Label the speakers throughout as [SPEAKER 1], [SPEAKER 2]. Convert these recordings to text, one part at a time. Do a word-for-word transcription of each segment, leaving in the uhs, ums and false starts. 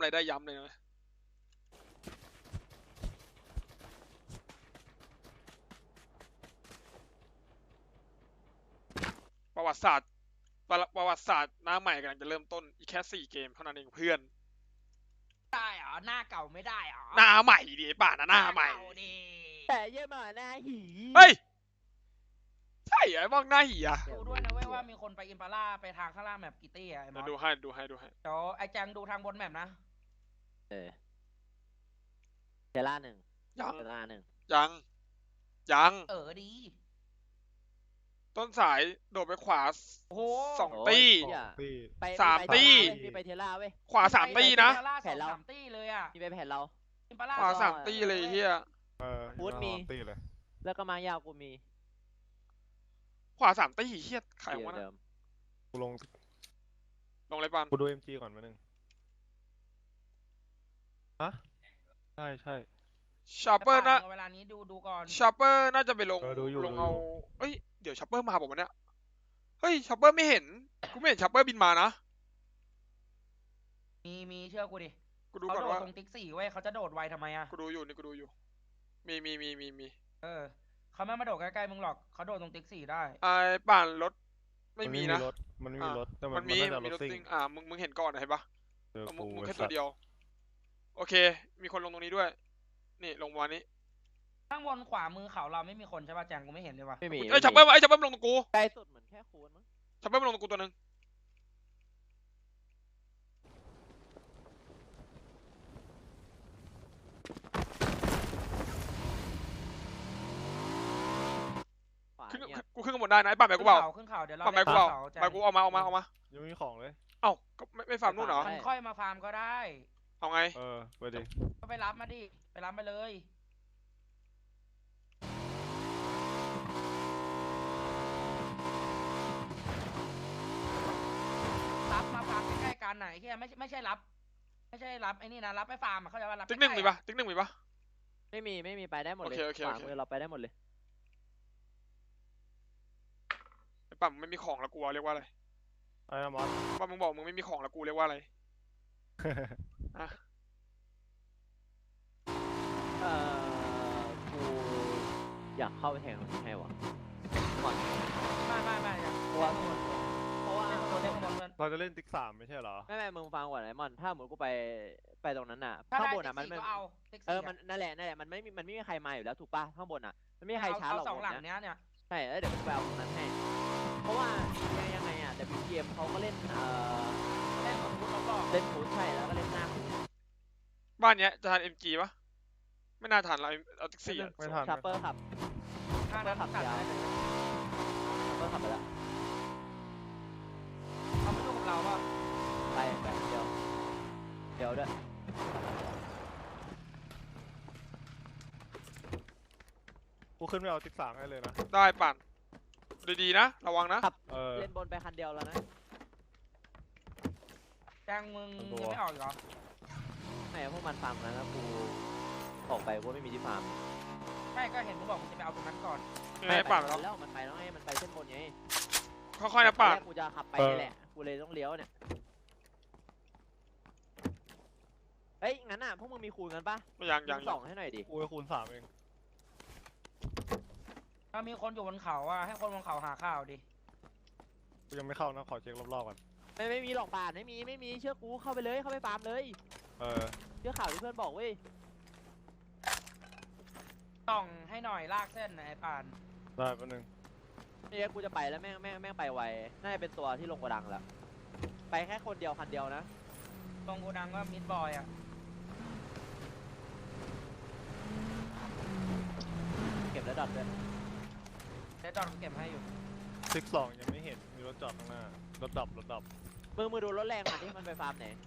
[SPEAKER 1] อะไรได้ย้ำเลยนะประวัติศาสตร์ประวัติศาสตร์หน้าใหม่กำลังจะเริ่มต้นอีกแค่สี่เกมเท่านั้นเองเพื่อน
[SPEAKER 2] ได้เหรอหน้าเก่าไม่ได้เหรอ
[SPEAKER 1] หน้าใหม่ดิป่านะหน้าใหม่
[SPEAKER 3] แต่เยี่ยมหน้าหี
[SPEAKER 1] เฮ้ยใช่ไอ้บ้องหน้าหีอ่ะ
[SPEAKER 2] ดูด้วยนะเว้ยว่ามีคนไปอิมพาร่าไปทางข้างล่างแมปกิตี้อ่ะ
[SPEAKER 1] ดูให้ดูให้ดูให้
[SPEAKER 2] เดี๋ยวไอ้แจงดูทางบนแมปนะ
[SPEAKER 3] เออเทล่าหนึ่ง
[SPEAKER 1] ยัง
[SPEAKER 3] เทล่าหนึ่ง
[SPEAKER 1] ยังยัง
[SPEAKER 2] เออดี
[SPEAKER 1] ต้นสายโดดไปขวาสองตี
[SPEAKER 3] ส
[SPEAKER 1] ามตี
[SPEAKER 3] มีไปเทล่าเว้ย
[SPEAKER 1] ขวาสามตีนะ
[SPEAKER 2] แผนเราสามตีเลยอ่ะ
[SPEAKER 3] มีไปแผนเรา
[SPEAKER 1] ขวาสามตีเลยเฮีย
[SPEAKER 3] พูดมีแล้วก็มายาวกูมี
[SPEAKER 1] ขวาสามตีเฮียขายวะนะ
[SPEAKER 4] กูลง
[SPEAKER 1] ลงอะไรปัน
[SPEAKER 4] กูดู เอ็ม จี ก่อนมาหนึ่งฮะใช่ใช่
[SPEAKER 1] ชอปเปอร์นะ
[SPEAKER 2] เวลานี้ดูดูก่อน
[SPEAKER 1] ชอปเปอร์น่าจะไปลงลงเอาเอ้ยเดี๋ยวชอปเปอร์มาบอกวันเนี้ยเฮ้ยชอปเปอร์ไม่เห็นกูไม่เห็นชอปเปอร์บินมานะ
[SPEAKER 2] มีมีเชื่อกูดิ
[SPEAKER 1] กูดูก่อนว่า
[SPEAKER 2] ตรงติ๊กสี่เว้ยเขาจะโดดไวทำไมอ่ะ
[SPEAKER 1] กูดูอยู่นี่กูดูอยู่มีมีมีมีมี
[SPEAKER 2] เออเขาไม่มาโดดใกล้ๆมึงหรอกเขาโดดตรงติ๊กสี่ได้
[SPEAKER 1] ไอ้ป่านรถไม่มีนะ
[SPEAKER 4] มันไม่มีรถแต่
[SPEAKER 1] มันมีมีรถซิ่งอ่ามึงมึงเห็นก่อนเห็นปะมึงมึงแค่ตัวเดียวโอเคมีคนลงตรงนี้ด้วยนี่ลงวันนี้
[SPEAKER 2] ข้างบนขวามือเขาเราไม่มีคนใช่ป่ะแจงกูไม่เห็นเลยว่ะ
[SPEAKER 3] ไม่มี
[SPEAKER 1] ไอ้ชับเบิ้มไอ้ชับเบิ้มลงตรงกู
[SPEAKER 3] ใกล้สุดเหมือนแค่คูนมั้ง
[SPEAKER 1] ชับเบิ้มลงตรงกูตัวนึงขึ้นกูขึ้นกันหมดได้นะไอ้ป่าแม่กูเปล่า
[SPEAKER 2] ขึ้นเขาเดี๋ยวเรา
[SPEAKER 1] ป่าแม่กูเปล่าแม่กูเอามาเอามาเอามา
[SPEAKER 4] ยังไม่มีของเลย
[SPEAKER 1] เอ้าก็ไม่ไม่ฟาร์มนู่นเหรอ
[SPEAKER 2] มันค่อยมาฟาร์มก็ได้
[SPEAKER 1] เอาไง
[SPEAKER 4] เออไปดิ
[SPEAKER 2] ก็ไปรับมาดิไปรับมาเลยรับมาฟาร์มใกล้ๆกันไหนที่ไม่ไม่ใช่รับไม่ใช่รับไอ้นี่นะรับไปฟาร์มเขาจะว่ารับ
[SPEAKER 1] ติ๊กหนึ่งมีปะติ๊กหนึ่งมีปะ
[SPEAKER 3] ไม่มีไม่มีไปได้หมดเลยขวามือเราไปได้หมดเลย
[SPEAKER 1] ไอ้ปั๊มไม่มีของแล้วกูเรียกว่าอะไร
[SPEAKER 4] ไอ้มอส
[SPEAKER 1] ปั๊มมึงบอกมึงไม่มีของแล้วกูเรียกว่าอะไรอะ
[SPEAKER 3] เออกูอยากเข้าไปแทงให้วะก่อน
[SPEAKER 2] ไม่ไม่ไม่
[SPEAKER 3] เพราะว่าเพราะว่า
[SPEAKER 4] เราจะเล่นติ๊กสามไม่ใช่เหรอ
[SPEAKER 3] ไม่ไม่มึงฟังก่อนไอ้มอนถ้าเหมือนกูไปไปตรงนั้นน่ะข้างบนอ่ะมันเออมันนั่นแหละนั่นแหละมันไม่มันไม่มีใครมาอยู่แล้วถูกป่ะข้างบนอ่ะมันไม่มีใครช้าหรอก
[SPEAKER 2] สองหลังเนี้ยเนี่ย
[SPEAKER 3] ใช่แล้วเดี๋ยวกูไปเอาตรงนั้นให้เพราะว่ายังไงอ่ะแต่พีเกมเขาก็เล่นเอ่อ
[SPEAKER 2] เล่นฟุตรอบ
[SPEAKER 3] เล่นฟุตใช่แล้วก็เล่นหน้าฟุต
[SPEAKER 1] บ้านเนี้ยจะทัน เอ็ม จี ปะไม่น่าทันเราเอาติ๊กซี่
[SPEAKER 4] ไม่ทัน
[SPEAKER 3] ชาร์เปอร์ขับชาร์เปอร์ขับยาวชาร์เปอร์ขับไปแล้ว
[SPEAKER 2] เขาไม่รู้กับเราว่า
[SPEAKER 3] ไปไปเดี๋ยวเดี๋ยวด้วย
[SPEAKER 4] กูขึ้นไปเอาติ๊กสามให้เลยนะ
[SPEAKER 1] ได้ปั่นดีๆนะระวังนะ
[SPEAKER 3] เล่นบนไปคันเดียวแล้วนะ
[SPEAKER 2] แจ้งมึงยังไม่ออกเหรอ
[SPEAKER 3] ไม่พวกมันฟาร์มนะแล้วกูออกไปว่าไม่มีที่ฟาร์ม
[SPEAKER 2] ใช่ก็เห็นมึงบอกมึงจะไปเอาตรงนั้นก่อน
[SPEAKER 1] ไม่ปั่น
[SPEAKER 3] แล้วมันไปแล้วไงมันไปเส้นบนไง
[SPEAKER 1] ค่อยๆนะปั่น
[SPEAKER 3] กูจะขับไปนี่แหละกูเลยต้องเลี้ยวเนี่ยเฮ้ยงั้นอ่ะพวกมึงมีคูณกันปะ
[SPEAKER 1] ยังยัง
[SPEAKER 3] สองให้หน่อยดิ
[SPEAKER 4] กูคูณสามเอง
[SPEAKER 2] ถ้ามีคนอยู่บนเขาอ่ะให้คนบนเขาหาข้าวดิ
[SPEAKER 4] กูยังไม่เข้านะขอเช็ครอบๆก่อน
[SPEAKER 3] ไม่ไม่มีหลอกป่านไม่มีไม่มีเชื่อกูเข้าไปเลยเข้าไปฟาร์มเลย
[SPEAKER 4] เออ
[SPEAKER 3] เชื่อข่าวที่เพื่อนบอกเว้ย
[SPEAKER 2] ต้องให้หน่อยลากเส้นไอ้ป่าน
[SPEAKER 4] ได้แป๊บนึง
[SPEAKER 3] นี่กูจะไปแล้วแม่งแม่งแม่งไปไวน่าจะเป็นตัวที่ลงกระดังแล้วไปแค่คนเดียวคันเดียวนะ
[SPEAKER 2] ลงกระดังว่ามิดบอยอ่ะ
[SPEAKER 3] เก็บแล้วดอทด้วย
[SPEAKER 2] ได้ดอทเก็บให้อยู่
[SPEAKER 4] ติ๊กสองยังไม่เห็นมีรถจอดข้างหน้ารถดับรถดับ
[SPEAKER 3] มือมือดูรถแรงมาที่มันไปฟาร์มไหน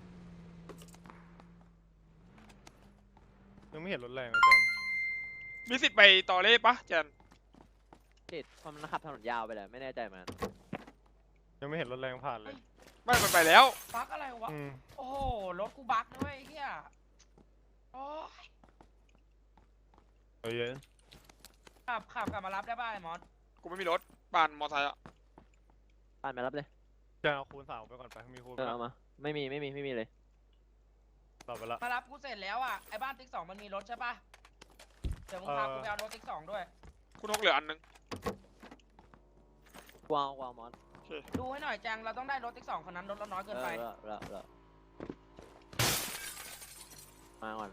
[SPEAKER 4] ยังไม่เห็นรถแรงเลยแจน
[SPEAKER 1] มีสิทธิ์ไปต่อเล่ปะแจน
[SPEAKER 3] ติดมันขับถนนยาวไปเลยไม่แน่ใจมัน
[SPEAKER 4] ยังไม่เห็นรถแรงผ่านเลย
[SPEAKER 1] ไม่มันไปแล้ว
[SPEAKER 2] บั๊กอะไรวะโอ้โหรถกูบั๊กนะเว้ยเฮียโอ้ย
[SPEAKER 4] เฮ้ย
[SPEAKER 2] ขับขับกลับมารับได้ป่ะไอ้มอส
[SPEAKER 1] กูไม่มีรถปั่นมอไซค์อ่ะ
[SPEAKER 3] ปั่นมารับเลย
[SPEAKER 4] จะเอาคูณสามไปก่อนไปมีคูณ
[SPEAKER 3] เอามาไม่มีไม่มีไม่มีเลย
[SPEAKER 4] ตอบไปละ
[SPEAKER 2] มารับกูเสร็จแล้วอ่ะไอ้บ้านติ๊กสองมันมีรถใช่ปะเดี๋ยวมึงพากูไปเอารถติ๊กสองด้วย
[SPEAKER 1] คุณนกเหลืออันนึง
[SPEAKER 3] กวางกวางมอส
[SPEAKER 2] ดูให้หน่อยแจงเราต้องได้รถติ๊กสองคนนั้นรถเราน้อยเกินไป
[SPEAKER 3] เออเออเออมาก่อน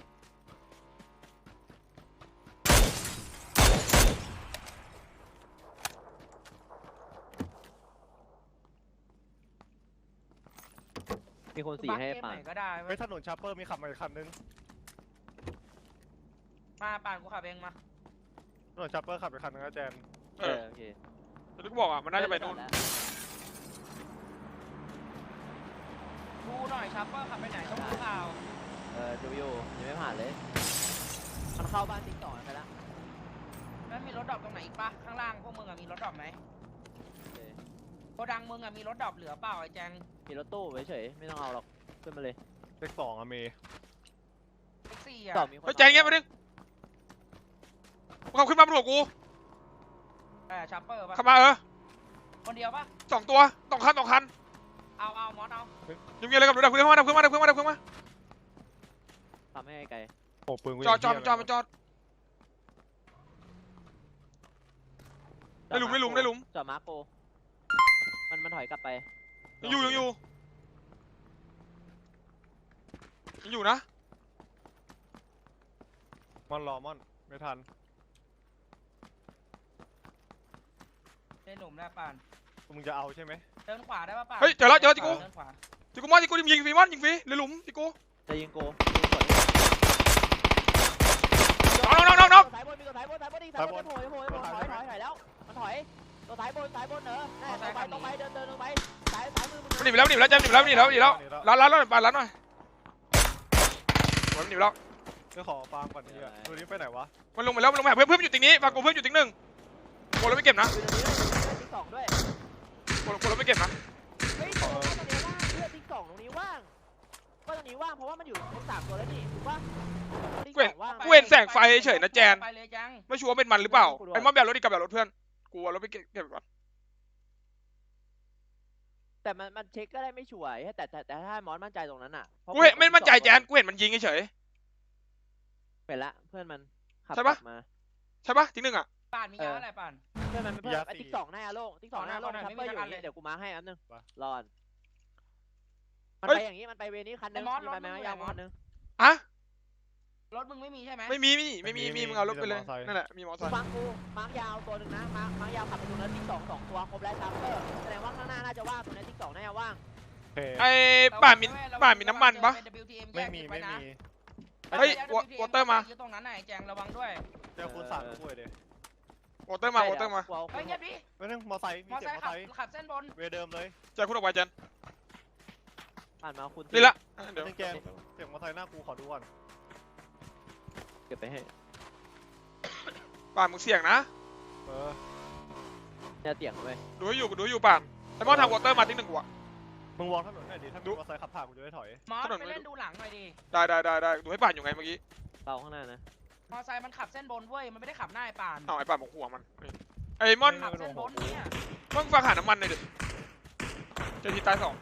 [SPEAKER 3] มีคนสีให้
[SPEAKER 2] บัคเกม
[SPEAKER 3] ป่า
[SPEAKER 2] ไห
[SPEAKER 3] น
[SPEAKER 2] นก็ได้เว้
[SPEAKER 4] เฮ้
[SPEAKER 2] ย
[SPEAKER 4] ยถนนชาร์เปอร์มีขับมาอีกคันนึง
[SPEAKER 2] มาป่านกูขับเองมา
[SPEAKER 4] ถนนชาร์เปอร์ขับไปคันนึงนะแจน
[SPEAKER 1] เอ
[SPEAKER 3] เอ
[SPEAKER 1] อ
[SPEAKER 3] อโอเค
[SPEAKER 1] แต่ที่กูบอกอ่ะมันน่าจะไปนู่น
[SPEAKER 3] แล้ว
[SPEAKER 2] ดูหน่อยชัปเปอร์ขับไปไหนต้องดูข่าว
[SPEAKER 3] เออดูอยู่ยังไม่ผ่านเลยมันเข้าบ้านติ๊กต่อไปแล้ว
[SPEAKER 2] แล้วมีรถดรอปตรงไหนอีกปะข้างล่างพวกมึงอะมีรถดรอปไหม
[SPEAKER 3] โอเค
[SPEAKER 2] โกดังมึงอะมีรถดรอปเหลือเปล่าไอ้แจง
[SPEAKER 3] มีรถตู้เฉยๆไม่ต้องเอาหรอกขึ้นมาเลย
[SPEAKER 4] เลขสองอะเมย์
[SPEAKER 2] แท็กซี่อะ
[SPEAKER 3] ต่อมีคน
[SPEAKER 1] เฮ้ยแจงเงี้ยไปนึงมึงขับขึ้นมาบนหัวกู
[SPEAKER 2] เออชัปเปอร์ปะ
[SPEAKER 1] ขับมาเออ
[SPEAKER 2] คนเดียวปะ
[SPEAKER 1] สองตัวสองคันสองคัน
[SPEAKER 2] เอาเอามอสเอา
[SPEAKER 1] ยังมีอะไรกับรถดับเครื่องมาดับเครื่องมาดับเครื่องมาดับเครื่องมา
[SPEAKER 3] ทำให้ไกล
[SPEAKER 4] โอ้ปืนกู
[SPEAKER 1] จอดจอด
[SPEAKER 4] ยัง
[SPEAKER 1] จอด
[SPEAKER 4] เหี้ย
[SPEAKER 1] จอด ได้หลุมได้หลุมได้หลุม
[SPEAKER 3] จอดมาร์โกมันมันถอยกลับไป
[SPEAKER 1] ยังอยู่ยังอยู่ยังอยู่นะ
[SPEAKER 4] มอนรอมอนไม่ทัน
[SPEAKER 2] ได้หลุมแล้วป่าน
[SPEAKER 4] มึงจะเอาใช่ไหม
[SPEAKER 2] เดินขวาได้ปะป่าน
[SPEAKER 1] เฮ้ยเจอแล้วเจอแล้วจิกู
[SPEAKER 2] เดินขวา
[SPEAKER 1] จิกูมอนจิกูยิงฟรีมอนยิงฟรีเหลือหลุมจิกู
[SPEAKER 3] จะยิงโก
[SPEAKER 1] น้องน้องน้องน้อง
[SPEAKER 3] สายบนมีตัวสายบนสายบนอีกสายบนโผล่โผล่โผล่ถอยถอยถอยแล้วมันถอยตัวสายบนสายบนเนอะแน่ตรงไปตรงไปเดินเดินลงไปสายสายมือมึง
[SPEAKER 1] มันหนีไปแล้วหนีไปแล้วแจมหนีไปแล้วหนีแล้วหนีแล้วร้านร้านร้านร้านร้านหน่อยมันหนีไปแล้ว
[SPEAKER 4] จะขอฟาร์มก่อนนี่อ่ะตัวนี้ไปไหนวะ
[SPEAKER 1] มันลงไปแล้วมันลงไปหาเพื่อนเพื่อนอยู่ตรงนี้ฝากกูเพื่อนอยู่ตรงหนึ่งโกเราไม่เก็บนะ
[SPEAKER 3] อยู่ตรงนี้เลยติ๊กสองด้วย
[SPEAKER 1] โกโกเราไม่เก็บนะ
[SPEAKER 3] เฮ้ยตรงนี้ว่างเพื่อนติ๊กสองตรงนี้ว่างก็ตรงนี้ว่างเพราะว่ามันอยู่ครบสามตัวแล้วนี่ถูกปะ
[SPEAKER 1] กูเห็นกูเห็นแสงไฟเฉยนะแจน
[SPEAKER 2] ไปเลยแจง
[SPEAKER 1] ไม่ชัวร์เป็นมันหรือเปล่าไอ้มอนแบบรถอีกกับแบบรถเพื่อนกูเอารถไปเก็บก่อน
[SPEAKER 3] แต่มันมันเช็คก็ได้ไม่ชัวร์แต่แต่แต่ถ้ามอสมั่นใจตรงนั้นอ่ะ
[SPEAKER 1] กูเห็นไม่มั่นใจแจนกูเห็นมันยิงเฉย
[SPEAKER 3] เห็นละเพื่อนมันขับ
[SPEAKER 1] ใช่ปะ
[SPEAKER 3] มา
[SPEAKER 1] ใช่ปะทิ้งหนึ่งอ่ะ
[SPEAKER 2] ป่านมียาอะไรป่าน
[SPEAKER 3] เพื่อนมันเพื่อนไอ้ติ๊กสองหน้าโล่งติ๊กสองหน้าโล่ง
[SPEAKER 2] ขอหน่อย
[SPEAKER 3] ชัปเปอร์
[SPEAKER 2] ไม่
[SPEAKER 3] อ
[SPEAKER 2] มี
[SPEAKER 3] ยู่
[SPEAKER 2] อันเลย
[SPEAKER 3] เดี๋ยวกูมาร์คให้อันนึงรอนมัน
[SPEAKER 1] เฮ้ย
[SPEAKER 3] ไปอย่างนี้มันไปเวนี้คันนึง
[SPEAKER 2] ไอ้มอส
[SPEAKER 3] มีไปไหม
[SPEAKER 2] รถมึง
[SPEAKER 3] ยาว
[SPEAKER 2] ไหน
[SPEAKER 3] มอสนึง
[SPEAKER 1] อะ
[SPEAKER 2] รถมึงไม่มีใช่ไหม
[SPEAKER 1] ไม่มีไม่มีไม่มีมีมึงเอารถไปเลยนั่นแหละมีมอเตอร์ไซค์
[SPEAKER 3] ฟังกูมาร์คยาวตัวหนึ่งนะมาร์คมาร์คยาวขับไปตรงนั้นติ๊กสองสองตัวครบแล้วชัปเปอร์แสดงว่าข้างหน้าน่าจะว่างตรงนี้ติ๊กสองน่าจะว่าง
[SPEAKER 4] โอเค
[SPEAKER 1] ไอ้ป่ามีป่ามีน้ำมันปะ
[SPEAKER 2] เป็น ดับเบิลยู ที เอ็ม
[SPEAKER 4] ไม่มี
[SPEAKER 2] แยก
[SPEAKER 4] ไม่
[SPEAKER 2] ว้นะ
[SPEAKER 4] มี
[SPEAKER 1] เฮ้ย
[SPEAKER 2] แล้ว
[SPEAKER 1] วอเตอร์มา
[SPEAKER 2] อยู่ตรงนั้นไหนแจงระวังด้วย
[SPEAKER 4] เจอคูณสามกูเลยดิ
[SPEAKER 1] วอเตอร์มาวอเตอร์มา
[SPEAKER 3] เฮ้
[SPEAKER 2] เฮ้ยเงียบดิ
[SPEAKER 4] ไม่นึงมอไซค์มี
[SPEAKER 2] มอ
[SPEAKER 4] เสีย
[SPEAKER 2] ไซ
[SPEAKER 4] ง
[SPEAKER 2] ค์
[SPEAKER 4] มอ
[SPEAKER 2] ขับ
[SPEAKER 4] ไซค์
[SPEAKER 2] ขับเส้นบน
[SPEAKER 4] เวเดิมเลย
[SPEAKER 1] ใจคุณออกไปเจน
[SPEAKER 3] ผ่านมาคุณ
[SPEAKER 1] นี่ละเดี๋ยว
[SPEAKER 4] นึงแกเสียงมอไซค์หน้ากูขอดูก่อน
[SPEAKER 3] เก็บไปให้
[SPEAKER 1] ป่ามึงเสี่ยงนะ
[SPEAKER 4] เออ
[SPEAKER 3] จะเตียงไว้
[SPEAKER 1] ดูให้อยู่ดูให้อยู่ป่านไอ้มอนทางวอเตอร์มาทิ้งหนึ่งกูอะ
[SPEAKER 4] มึงวางถนนหน่อยดิถ้า
[SPEAKER 1] ดู
[SPEAKER 4] มีมอไซค์ขับผ่านกูจะได้ถอย
[SPEAKER 2] มอส
[SPEAKER 1] ถนน
[SPEAKER 2] ไป
[SPEAKER 1] ไม่
[SPEAKER 2] เล่นดูหลังหน่อยดิ
[SPEAKER 1] ได้ได้ได้ได้ดูให้ป่านอยู่ไงเมื่อกี้
[SPEAKER 3] เราข้างหน้านะ
[SPEAKER 2] มอไซค์มันขับเส้นบนเว้ยมันไม่ได้ขับหน้าไอ้ป่าน
[SPEAKER 1] เอาไอ้ป่านบอกหัวมันไอ้มอน
[SPEAKER 2] ขับเส้นบนเนี่ย
[SPEAKER 1] มึงฟังหาน้ำมันหน่อยดิเจอทีตายสอง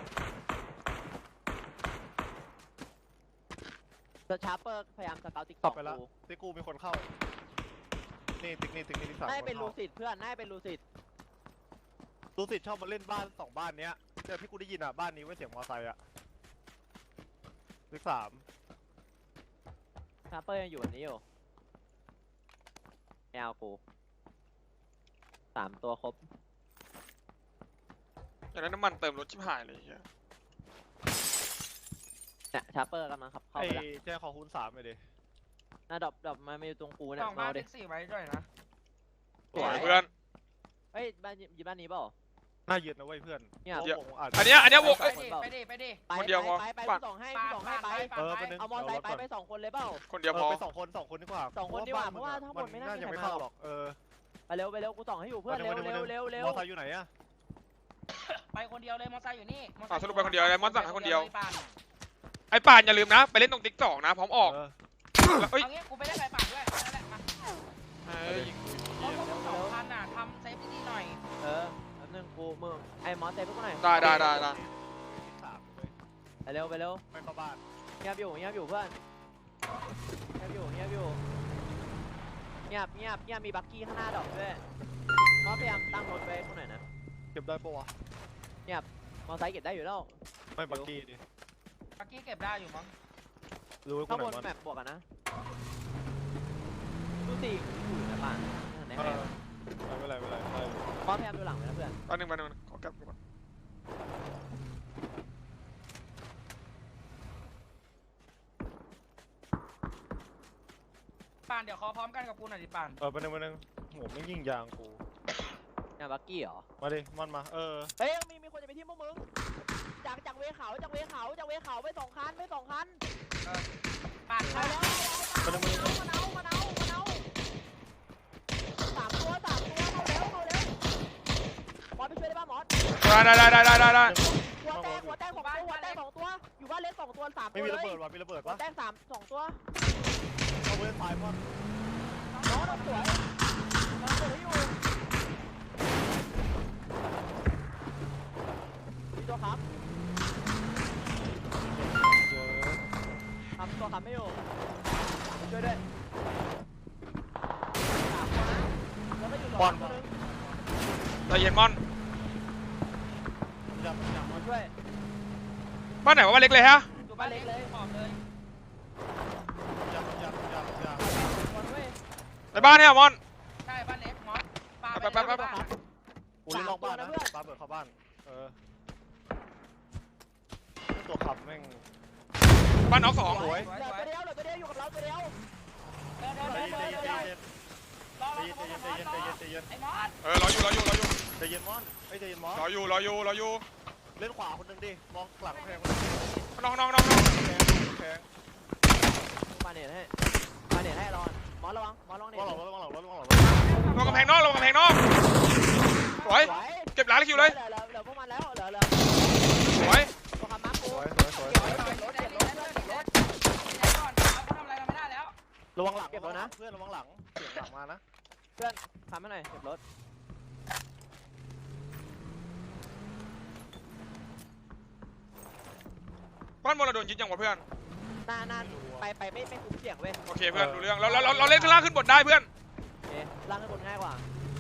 [SPEAKER 3] สชาร์เปอร์พยายามสเกาติ๊กส
[SPEAKER 4] ขั
[SPEAKER 3] อบ ง
[SPEAKER 4] ไปแล้ว
[SPEAKER 3] กู
[SPEAKER 4] ติ๊กกูมีคนเข้า นี่ติ๊กนี่ติ๊กนี่ติ๊กสาม
[SPEAKER 3] น่า
[SPEAKER 4] ค
[SPEAKER 3] จะเป็น
[SPEAKER 4] น
[SPEAKER 3] ลู
[SPEAKER 4] เข้า
[SPEAKER 3] ซิดเพื่อนน่าจะเป็นลูซิด
[SPEAKER 4] ลูซิดชอบมาเล่นบ้านสองบ้านเนี้ยแต่ที่กูได้ยินอ่ะบ้านนี้ไว้เสียงมอไซค์อ่ะติ๊กสาม
[SPEAKER 3] ชาร์เปอร์ยังอยู่แบบนี้อยู่ไม่เอากูสามตัวครบ
[SPEAKER 1] อย่างนั้นน้ำมันเติมรถชิบหายเลยเฮีย
[SPEAKER 3] เนี่ยชาร์เปอร์กำลังขับเข้า
[SPEAKER 4] ไอ้
[SPEAKER 3] ไปแล้ว
[SPEAKER 4] แจ้ขอคูณสามไปดิ
[SPEAKER 3] น่าดรอปดรอปมาไม่อยู่ตรงกู
[SPEAKER 2] ส
[SPEAKER 3] เนี่ย
[SPEAKER 2] อง
[SPEAKER 3] เมา
[SPEAKER 2] บ้าน
[SPEAKER 3] ดิ
[SPEAKER 2] แท็กซี่ไว้ด้วยนะ
[SPEAKER 1] สวยเพื่อน
[SPEAKER 3] เฮ้ยบ้านอยู่บ้านนี้เปล่า
[SPEAKER 4] น่ายึดนะเว้ยเพื่อน
[SPEAKER 3] เนี่ย
[SPEAKER 4] พราะผมอาจจะ
[SPEAKER 1] อันเนี้ยอันเนี้ยโว
[SPEAKER 2] ไป
[SPEAKER 1] เอ้ย
[SPEAKER 2] ดิไปดิไปดิ
[SPEAKER 3] ไป
[SPEAKER 1] คนเดียวพอ
[SPEAKER 3] ไปไป
[SPEAKER 1] ปั่
[SPEAKER 3] ไป
[SPEAKER 1] น
[SPEAKER 3] ส่งให้
[SPEAKER 2] ป่าน
[SPEAKER 3] ส่งให้
[SPEAKER 2] ป่าน
[SPEAKER 3] ไป
[SPEAKER 2] ไปป่าน
[SPEAKER 4] เออ
[SPEAKER 2] ไป
[SPEAKER 4] ไปนึง
[SPEAKER 3] เอามอไซค์ไปไปสองคนเลยเปล่า
[SPEAKER 1] คนเดียว
[SPEAKER 4] เอ
[SPEAKER 1] พ
[SPEAKER 4] อ
[SPEAKER 1] อ
[SPEAKER 4] ไปสองคนสองคนดีกว่า
[SPEAKER 3] สองคนดีกว่าเพราะว่าทั้งหมดไม่น่า
[SPEAKER 4] น่าจะ
[SPEAKER 3] มี
[SPEAKER 4] ไม่
[SPEAKER 3] ใคร
[SPEAKER 4] เข้า
[SPEAKER 3] มา
[SPEAKER 4] หรอกเออ
[SPEAKER 3] ไปเร็วไปเร็วกูส่องให้อยู่เพื่อนเร็ว
[SPEAKER 4] มา
[SPEAKER 3] เร็ว
[SPEAKER 4] มา
[SPEAKER 3] เร็วเร็ว
[SPEAKER 4] มอไซค์อยู่ไหนอะ
[SPEAKER 2] ไปคนเดียวเลยมอไซค์อยู่นี่มอไซ
[SPEAKER 1] อ่ะ
[SPEAKER 2] ค์
[SPEAKER 1] สรุปไปคนเดียวไอ้มอนสั่งให้คนเดียว
[SPEAKER 2] ป่าน
[SPEAKER 1] ไอ้ป่านอย่าลืมนะ ไปเล่นตรงติ๊กสองนะ พร้อมออก
[SPEAKER 4] เออ
[SPEAKER 1] แล้วเอ้ย
[SPEAKER 2] เอางี้กูไปได้ไปป่านด้วยนั่นแหละมา
[SPEAKER 1] เอ้ยยิงกู
[SPEAKER 2] เพราะพวกมึงสองคันน่ะทำเซฟดีๆหน่อย
[SPEAKER 3] เออแป๊บนึงกูมึงไอ้มอสเซฟพวกกูหน่อย
[SPEAKER 1] ได้ได้ได้ได้
[SPEAKER 4] ติ๊กสามเลย
[SPEAKER 3] ไปเร็วไปเร็ว
[SPEAKER 4] ไม่เข้าบ้าน
[SPEAKER 3] เงียบอยู่เงียบอยู่เพื่อนเงียบอยู่เงียบอยู่เงียบเงียบเงียบมีบักกี้ข้างหน้าดอกด้วยมอสพยายามตั้งรถไว้ข้างหน่อยนะ
[SPEAKER 4] เก็บได้ปะวะ
[SPEAKER 3] มอไซค์เก็บได้อยู่แล้ว
[SPEAKER 4] ไม่บักกี้ดิ
[SPEAKER 2] เมื่อกี้เก็บได้อยู่มั้ง
[SPEAKER 4] รู้ไว้กู
[SPEAKER 3] ข้าง
[SPEAKER 4] ไห
[SPEAKER 3] บ
[SPEAKER 4] น
[SPEAKER 3] น
[SPEAKER 4] มัน
[SPEAKER 3] แมปบวกกันนะดูสิอยู่ในบ้านไหน
[SPEAKER 4] เอ
[SPEAKER 3] ไหน
[SPEAKER 4] อไม่เป็นไรไม่เป็นไรไม่เป็นไร
[SPEAKER 3] มอสพยายามดูหลังไว้นะเพื่อน
[SPEAKER 1] แป๊บนึงแป๊บนึงขอกลับก่อน
[SPEAKER 2] ป่านเดี๋ยวขอพร้อมกันกับกูหน่อยดิป่าน
[SPEAKER 4] เออไปหนึ่งไปหนึ่งโหไม่ยิงยางกู
[SPEAKER 3] เนี่ยบักกี้เหรอ
[SPEAKER 4] มาดิมันมาเออ
[SPEAKER 3] เฮ้ยมีมีคนจะไปที่พวกมึงจากจากเวเขาจากเวเขาจากเวเขาไปสองคันไปสองคัน
[SPEAKER 2] ป่าน
[SPEAKER 3] เอา
[SPEAKER 2] เข้า
[SPEAKER 3] แล้วเอาแล้วมาเอามาเอามาเอาสามตัวสามตัวเข้าแล้วเข้าแล้วมอสไปช่วยได้ป่ะมอส
[SPEAKER 1] ได้ได้ได้ได้ได้ได้
[SPEAKER 3] หัวแตกหัวแตกสองตัวหัวแตกสองตัวอยู่บ้านเล็กสองตัวสามตั
[SPEAKER 4] ไม่
[SPEAKER 3] ว
[SPEAKER 4] มี
[SPEAKER 3] เล
[SPEAKER 4] ระ
[SPEAKER 3] ย
[SPEAKER 4] เบิดวะมีระเบิด
[SPEAKER 3] หัว
[SPEAKER 4] ปะ
[SPEAKER 3] แตกสามสองตัว
[SPEAKER 4] เอาเล่นตายมั้ง
[SPEAKER 3] น้องน้องสวยน้องสวยอยู่มีตัวครับ
[SPEAKER 4] เจอ
[SPEAKER 3] ทำตัวครับไม่อยู่ช่วยด้วยสามตัวนะแล้วก็อยู่หลอดตัวนึง
[SPEAKER 1] ใจเย็นมอน
[SPEAKER 4] จับจับ
[SPEAKER 3] มาช่วย
[SPEAKER 1] บ้านไหนวะบ้านเล็กเลยฮะ
[SPEAKER 2] อยู่บ้านเล็กเลยออกเลย
[SPEAKER 4] จับจับจับจับ
[SPEAKER 3] มาช่วย
[SPEAKER 1] ในบ้านเนี่ยมอน
[SPEAKER 2] ใช่บ้านเล็กมอสปา
[SPEAKER 1] แป๊บแป๊บแป๊บ
[SPEAKER 2] บ้าน
[SPEAKER 4] กูเล่นนอกบ้านนะปาเปิดเข้าบ้านเออตัวขับแม่ง
[SPEAKER 1] บ้านน็อกสอง
[SPEAKER 4] สวย
[SPEAKER 3] เหลือตัวเดียวเหลือตัวเดียวอยู่กับเราตัวเดียว
[SPEAKER 2] เดินเดิน
[SPEAKER 4] ใจ
[SPEAKER 2] เดิน
[SPEAKER 4] เย็น
[SPEAKER 2] เดิ
[SPEAKER 4] ใจ
[SPEAKER 2] น
[SPEAKER 4] เย็น
[SPEAKER 2] เดิน
[SPEAKER 4] ใจเย็น
[SPEAKER 2] รอ
[SPEAKER 4] ใจ
[SPEAKER 2] รอ
[SPEAKER 4] เย็น
[SPEAKER 2] รอ
[SPEAKER 4] ใจเย็นใจเย็นใจเย็น
[SPEAKER 2] ไอ้มอส
[SPEAKER 1] เออรออยู่รออยู่รออยู่
[SPEAKER 4] ใจเย็นมอนไอ้ใจเย็นมอน
[SPEAKER 1] รออยู่รออยู่รออยู่
[SPEAKER 4] เล่นขวาคนหนึ่งดิมองหลังแพง
[SPEAKER 1] น้องน้องน้องน้อง
[SPEAKER 4] แพงแพง
[SPEAKER 3] มาเน็ตให้มาเน็ตให้รอนมอสระวังมอสระวังเน็ต
[SPEAKER 4] ว่างหลังรถว่างหลังรถว่างหลังรถ
[SPEAKER 1] ลงกำแพงนอกลงกำแพงนอกสวย
[SPEAKER 3] สวย
[SPEAKER 1] เก็บหลังคิวเลย
[SPEAKER 3] เหลือเหลือเหลือพวกมันแล้วเหลือเหลือ
[SPEAKER 1] สวย
[SPEAKER 3] ตัวคำมาร์ค
[SPEAKER 4] ส
[SPEAKER 3] กู
[SPEAKER 4] วยสวยสวย
[SPEAKER 2] เก็บไว้หน่อยรถเด็ดรถเด็ดรถเด็ดก่อนเขาทำอะไรเราไม่ได้แล้ว
[SPEAKER 4] ระวังหลังเพื่อนระวังหลังเสียงหลังมานะ
[SPEAKER 3] ทำให้หน่อยเก็บรถ
[SPEAKER 1] บ้านบนเราโดนยึดยังวะเพื่อน
[SPEAKER 3] หน้าหน้าไปไปไม่ไม่คุ้มเสี่ยงเว้ย
[SPEAKER 1] โอเคเพื่อนดูเรื่องเราเราเราเราเล่นข้างล่างขึ้นบนได้เพื่อน
[SPEAKER 3] โอเคล่างขึ้นบนง่ายกว่า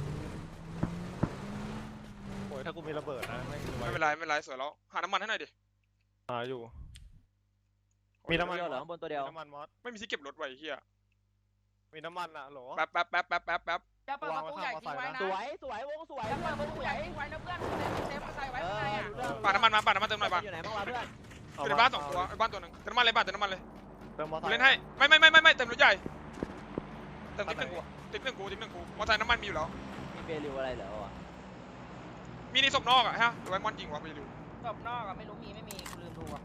[SPEAKER 4] โอ้ยถ้ากูมีระเบิดนะไม่
[SPEAKER 1] ไม่เป็นไรไม่เป็นไรสวยแล้วหาน้ำมันให้หน่อยดิ
[SPEAKER 4] หาอยู่ มีน้ำมัน
[SPEAKER 3] เดียวเหรอข้างบนตัวเดียว
[SPEAKER 4] น้ำมันมอส
[SPEAKER 1] ไม่มีที่เก็บรถไว้เฮีย
[SPEAKER 4] มีน้ำมันอ่ะหรอ
[SPEAKER 1] แป๊บแป๊บแป๊บแป๊บแป๊บแป๊บ
[SPEAKER 2] จะเปิดประตูใหญ่ทิ้งไว้นะ
[SPEAKER 3] สวยสวยวงสวย
[SPEAKER 2] จะ
[SPEAKER 3] เพื่
[SPEAKER 2] เปิ
[SPEAKER 3] อนวง
[SPEAKER 2] ดประตู
[SPEAKER 3] ส
[SPEAKER 2] ให
[SPEAKER 3] ว
[SPEAKER 2] ญ่
[SPEAKER 3] ย
[SPEAKER 2] ทิ้งไว้นะเพื่อนเซฟมาใส่ไว้
[SPEAKER 3] เอ
[SPEAKER 2] ข้างใน
[SPEAKER 3] อ
[SPEAKER 2] อ่ะ
[SPEAKER 3] รู้เรื่อง
[SPEAKER 1] ปาดน้ำมันมาปาดน้ำมันเติมหน่อยปา
[SPEAKER 3] อยู่ไหนบ้างวะเพื่อน
[SPEAKER 1] อยู่ในบ้านสองตัวไอ้บ้านตัวหนึ่งเติมน้ำมันเลยปาดเติมน้ำมันเลย
[SPEAKER 4] เติมมอส
[SPEAKER 1] กูเล่นให้ไม่ไม่ไม่ไม่ไม่เติมรถใหญ่เติมติ๊กหนึ่งกูติ๊กหนึ่งกูติ๊กหนึ่งกูมอเตอร์ไซค์น้ำมันมีอยู่แล้ว
[SPEAKER 3] มีเบลิวอะไรเหรอวะ
[SPEAKER 1] มีในศพนอกอะฮะหรือว่ามอนยิงวะไม่รู้
[SPEAKER 2] รอบนอกอ่ะไม่รู้มีไม่มีลืมดูอ่ะ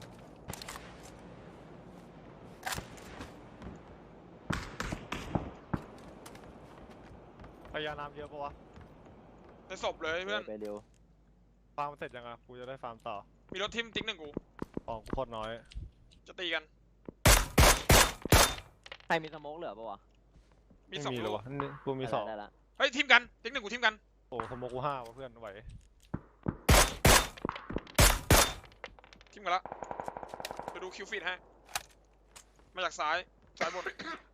[SPEAKER 4] พยาน้ำเยอะปะวะ
[SPEAKER 1] ในศพเลยเพื่อน
[SPEAKER 3] เบลิว
[SPEAKER 4] ฟาร์มเสร็จยังอ่ะกูจะได้ฟาร์มต่อ
[SPEAKER 1] มีรถทิมติ๊กหนึ่งกู
[SPEAKER 4] ของกูโคตรน้อย
[SPEAKER 1] จะตีกัน
[SPEAKER 3] ใครมีสโมกเหลือปะวะ
[SPEAKER 1] มีสอง
[SPEAKER 4] เล
[SPEAKER 1] ลู
[SPEAKER 4] ย
[SPEAKER 1] ก
[SPEAKER 4] วะนี่กูมีสอง
[SPEAKER 3] ได้ละ
[SPEAKER 1] เฮ้ยทิมกันติ๊กหนึ่งกูทิมกัน
[SPEAKER 4] โอ้สมมติกูห้าวะเพื่อนไหว
[SPEAKER 1] ทิมกันละไปดูคิวฟีดให้มาจากซ้ายซ้ายบน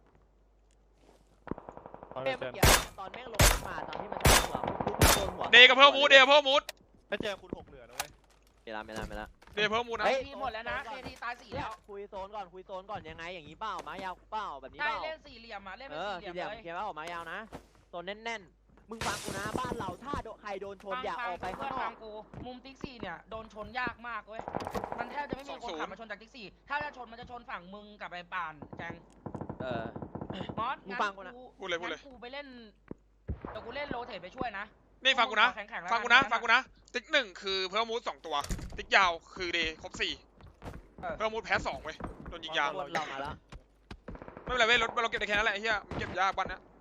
[SPEAKER 4] ตอน
[SPEAKER 3] เอ้
[SPEAKER 4] นี้
[SPEAKER 3] ย
[SPEAKER 4] เจ
[SPEAKER 3] เมื่อน กี้ตอนแม่งลงมาตอนที่มันจะหัวโดนหัว
[SPEAKER 1] เดย์กับเพิ่มมูดเดย์กับเพิ่มมูด
[SPEAKER 4] ถ้าเจอคุณหกเหลือนะเว้ย
[SPEAKER 3] ไม่ละไม่ละไม่ละ
[SPEAKER 1] เดย์เพิ่มมูดนะ
[SPEAKER 3] เฮ้
[SPEAKER 2] เอย ทีหมดแล้วนะเอทีตายสี่แล้ว
[SPEAKER 3] คุยโซนก่อนคุยโซนก่อนยังไงอย่างนี้เปล่ามายาวเปล่าแบบนี้
[SPEAKER 2] ใช่
[SPEAKER 3] เปล่า
[SPEAKER 2] เล่นสี่เหลี่ยมอ่ะเล่น
[SPEAKER 3] เอ
[SPEAKER 2] เป็น
[SPEAKER 3] อ
[SPEAKER 2] สี่เหลี่
[SPEAKER 3] สี่
[SPEAKER 2] ยม
[SPEAKER 3] เหลี่ยม
[SPEAKER 2] เลย
[SPEAKER 3] เขียนว่าออกมายาวนะโซนแน่นๆมึงฟังกูนะบ้านเราถ้าโดนใครโดนชนอย่าออกไป
[SPEAKER 2] เพื่
[SPEAKER 3] ข้า
[SPEAKER 2] อง น
[SPEAKER 3] นอ
[SPEAKER 2] ฟั
[SPEAKER 3] ก
[SPEAKER 2] งกูมุมติ๊กซี่เนี่ยโดนชนยากมากเว้ยมันแทบจะไม่มีคนขับมาชนจากติ๊กซี่ถ้าจะชนมันจะชนฝั่งมึงกับไอ้ป่านแจง
[SPEAKER 3] เออ
[SPEAKER 2] มอส
[SPEAKER 3] มึงฟังกูนะ
[SPEAKER 1] พูดเลยพูดเลย
[SPEAKER 2] งั้นกูไปเล่นเดี๋ยวกูเล่นโรเทตไปช่วยนะ
[SPEAKER 1] นี่ฟังกูนะ
[SPEAKER 2] แข็งๆแล้ว
[SPEAKER 1] ฟังกูนะฟังกูนะติ๊กหนึ่งคือเพิ่มมูดสองตัวติ๊กยาวคือเดย์ครบสี่เพิ่มมูดแพ้สองเว้ยโดนยิงยาง
[SPEAKER 3] บนเรามาแล้ว
[SPEAKER 1] ไม่เป็นไรเว้ยรถเราเก็บได้แค่นั้นแหละไอ้เหี้ยมันเก็บยากบ้านนะ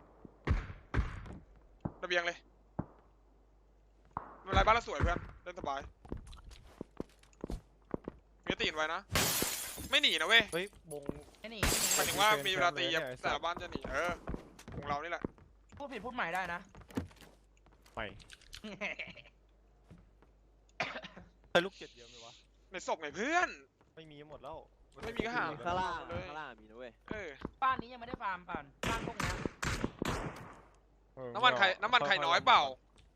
[SPEAKER 1] ระเบียงเลยไม่เป็นไรบ้านเราสวยเพื่อนเล่นสบายมีตีนไว้นะ ไม่หนีนะเว้ย
[SPEAKER 4] เฮ้ยวง
[SPEAKER 2] ไอ้นี่
[SPEAKER 1] หมายถึงว่ามีเวลาตีอะแต่ละบ้านจะหนีเออของเรานี่แหละ
[SPEAKER 2] พูดผิดพูดใหม่ได้นะ
[SPEAKER 4] ใหม่ใช้ลูกเจ็ดเยอะไหมวะ
[SPEAKER 1] ในศพไงเพื่อน
[SPEAKER 4] ไม่มีหมดแล้ว
[SPEAKER 1] ไม่มีก็หา
[SPEAKER 3] ข้างล่าง
[SPEAKER 1] เลย
[SPEAKER 3] ข้างล่างมีนะเว้ย
[SPEAKER 1] เออ
[SPEAKER 2] บ้านนี้ยังไม่ได้ฟาร์มป่านบ้านพวกเนี้ย
[SPEAKER 4] เออ
[SPEAKER 1] น้ำมันใคร
[SPEAKER 4] เา
[SPEAKER 1] น้ำมันใคร
[SPEAKER 4] ค่ๆ
[SPEAKER 1] น้อยเปล่า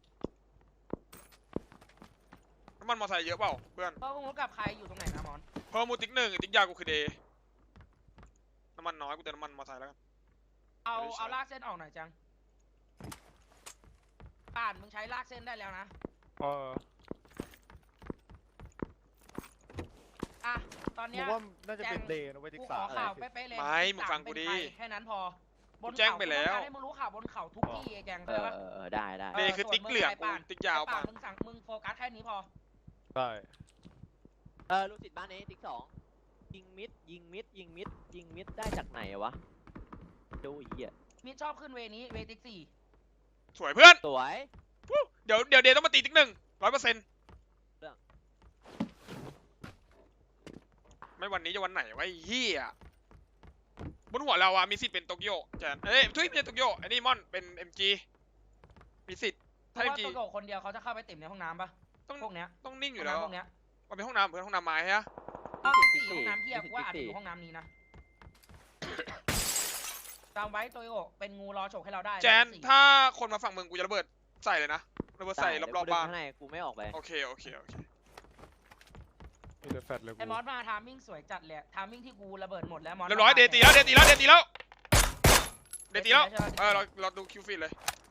[SPEAKER 1] น้ำมันมอเตอร์ไซค์เยอะเปล่าเพื่อน
[SPEAKER 2] เพราะพวกมึงกับใครอยู่ตรงไหนนะมอน
[SPEAKER 1] เพิ่มมูติ๊กหนึ่งติ๊กยากูคือเดย์น้ำมันน้อยกูเติมน้ำมันมอเตอร์ไซค์แล้วกัน
[SPEAKER 2] เอา
[SPEAKER 1] ไม่ได้ใช้
[SPEAKER 2] เอาลากเส้นออกหน่อยจังป่านมึงใช้ลากเส้นได้แล้วนะ
[SPEAKER 4] เออ
[SPEAKER 2] อ่ะตอน
[SPEAKER 4] ผ
[SPEAKER 2] เนี้ย
[SPEAKER 4] มว่าน่าจะเป็น
[SPEAKER 2] แจ้ง
[SPEAKER 4] เดย์นะเว้ยที่
[SPEAKER 2] กูข
[SPEAKER 4] สา
[SPEAKER 2] อ
[SPEAKER 4] ม
[SPEAKER 2] ข่าว
[SPEAKER 4] อะไร
[SPEAKER 2] เป๊ะๆเลย
[SPEAKER 1] ไม่มึง
[SPEAKER 2] สา
[SPEAKER 1] ฟังกู
[SPEAKER 2] เป็น
[SPEAKER 1] ดิ
[SPEAKER 2] ใครแค่นั้นพอบน
[SPEAKER 1] กูแจ้ง
[SPEAKER 2] เขา
[SPEAKER 1] ไปแล้ว
[SPEAKER 2] กูต้องการให้มึงรู้ข่าวบนเขาทุกที่ไอ้แจง
[SPEAKER 3] เอ
[SPEAKER 2] เข้าใจ
[SPEAKER 3] อ
[SPEAKER 2] ปะ
[SPEAKER 3] เออเออได้ได้
[SPEAKER 1] เดย์คือติ๊กเหลืองกูติ๊กยาว
[SPEAKER 2] ไอ้ป่า
[SPEAKER 1] ป่ะ
[SPEAKER 2] นมึงสั่งมึงโฟกัสแค่นี้พอ
[SPEAKER 4] ใช่
[SPEAKER 3] เออลูกศิษย์บ้านนี้ติ๊กสองยิงมิดยิงมิดยิงมิดยิงมิดได้จากไหนวะดูไอ้เหี้ย
[SPEAKER 2] มิดชอบขึ้นเวนี้เวติ๊กสี่
[SPEAKER 1] สวยเพื่อน
[SPEAKER 3] สวย
[SPEAKER 1] วู้เดี๋ยวเดี๋ยวเดย์ต้องมาตีติ๊กหนึ่งร้อยเปอร์เซ็นต์ไม่วันนี้จะวันไหนวะไอ้เหี้ยบนหัวเราอะมีสิทธิ์เป็นโตเกียวแจนเอ้ยทุยไม่ใช่โตเกียวไอ้นี่มอนเป็น เอ็ม จี มีสิทธิ์
[SPEAKER 2] เพ
[SPEAKER 1] ถ้า
[SPEAKER 2] ราะว่า
[SPEAKER 1] เอ็ม จี
[SPEAKER 2] ตัวโดดคนเดียวเขาจะเข้าไปติ่มในห้องน้ำปะ
[SPEAKER 1] ต้อง
[SPEAKER 2] พวกเนี้ย
[SPEAKER 1] ต้องนิ่งอ
[SPEAKER 2] ห้อยู่ ง
[SPEAKER 1] แล้ว
[SPEAKER 2] น้ำพวกเนี้ย
[SPEAKER 1] มันเป็นห้องน้ำเพื่อนห้องน้ำไม้ฮะ
[SPEAKER 2] อ้าวติ๊กสี่ห้องน้ำเที่ยกูว่าอาจจะอยู่ห้องน้ำนี้นะจำไว้ตัวโดดเป็นงูรอฉกให้เราได้
[SPEAKER 1] แจน
[SPEAKER 2] ติ๊กสี่
[SPEAKER 1] ถ้าคนมาฝั่งมึงกูจะระเบิดใส่เลยนะระเบิดใส่
[SPEAKER 3] ได้
[SPEAKER 1] รอบๆบ้าน
[SPEAKER 3] ข้างในกูไม่ออกไป
[SPEAKER 1] โอเคโอเคโอเค
[SPEAKER 4] มีแต่แฟดเลยกู
[SPEAKER 2] ไอ้มอสมาทามมิ่งสวยจัดเลยทามมิ่งที่กูระเบิดหมดแล้วมอส
[SPEAKER 1] เรียบร้อยเดย์ตีแล้วเดย์ตีแล้วเดย์ตีแล้วเดย์ตีแล้ว
[SPEAKER 2] ใช่ปะ
[SPEAKER 1] เออเราเราดูคิวฟีดเลย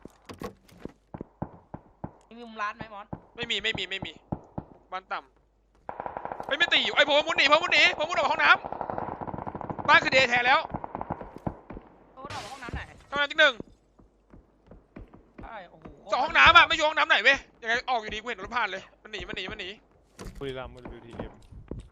[SPEAKER 2] มีมุมร้านไหมมอส
[SPEAKER 1] ไม่มีไม่มีไม่มีบ้านต่ำไม่ไม่ตีอยู่ไอ้ผมมุดหนีผมมุดหนีผมมุดออกห้องน้ำบ้านคือเดย์แทนแล้ว
[SPEAKER 2] โอ้โหห้องน้ำไหน
[SPEAKER 1] ห้องน้ำที่หนึ่ง
[SPEAKER 2] ใช่โอ้โห
[SPEAKER 1] สองห้องน้ำอ่ะไม่อยู่ห้องน้ำไหนเว้ยยังไงออกอยู่ดีกูเห็นรถผ่านเลยมันหนีมันหนีมันหนี
[SPEAKER 4] บุรีรัมย์มัน วิว ที เอ็ม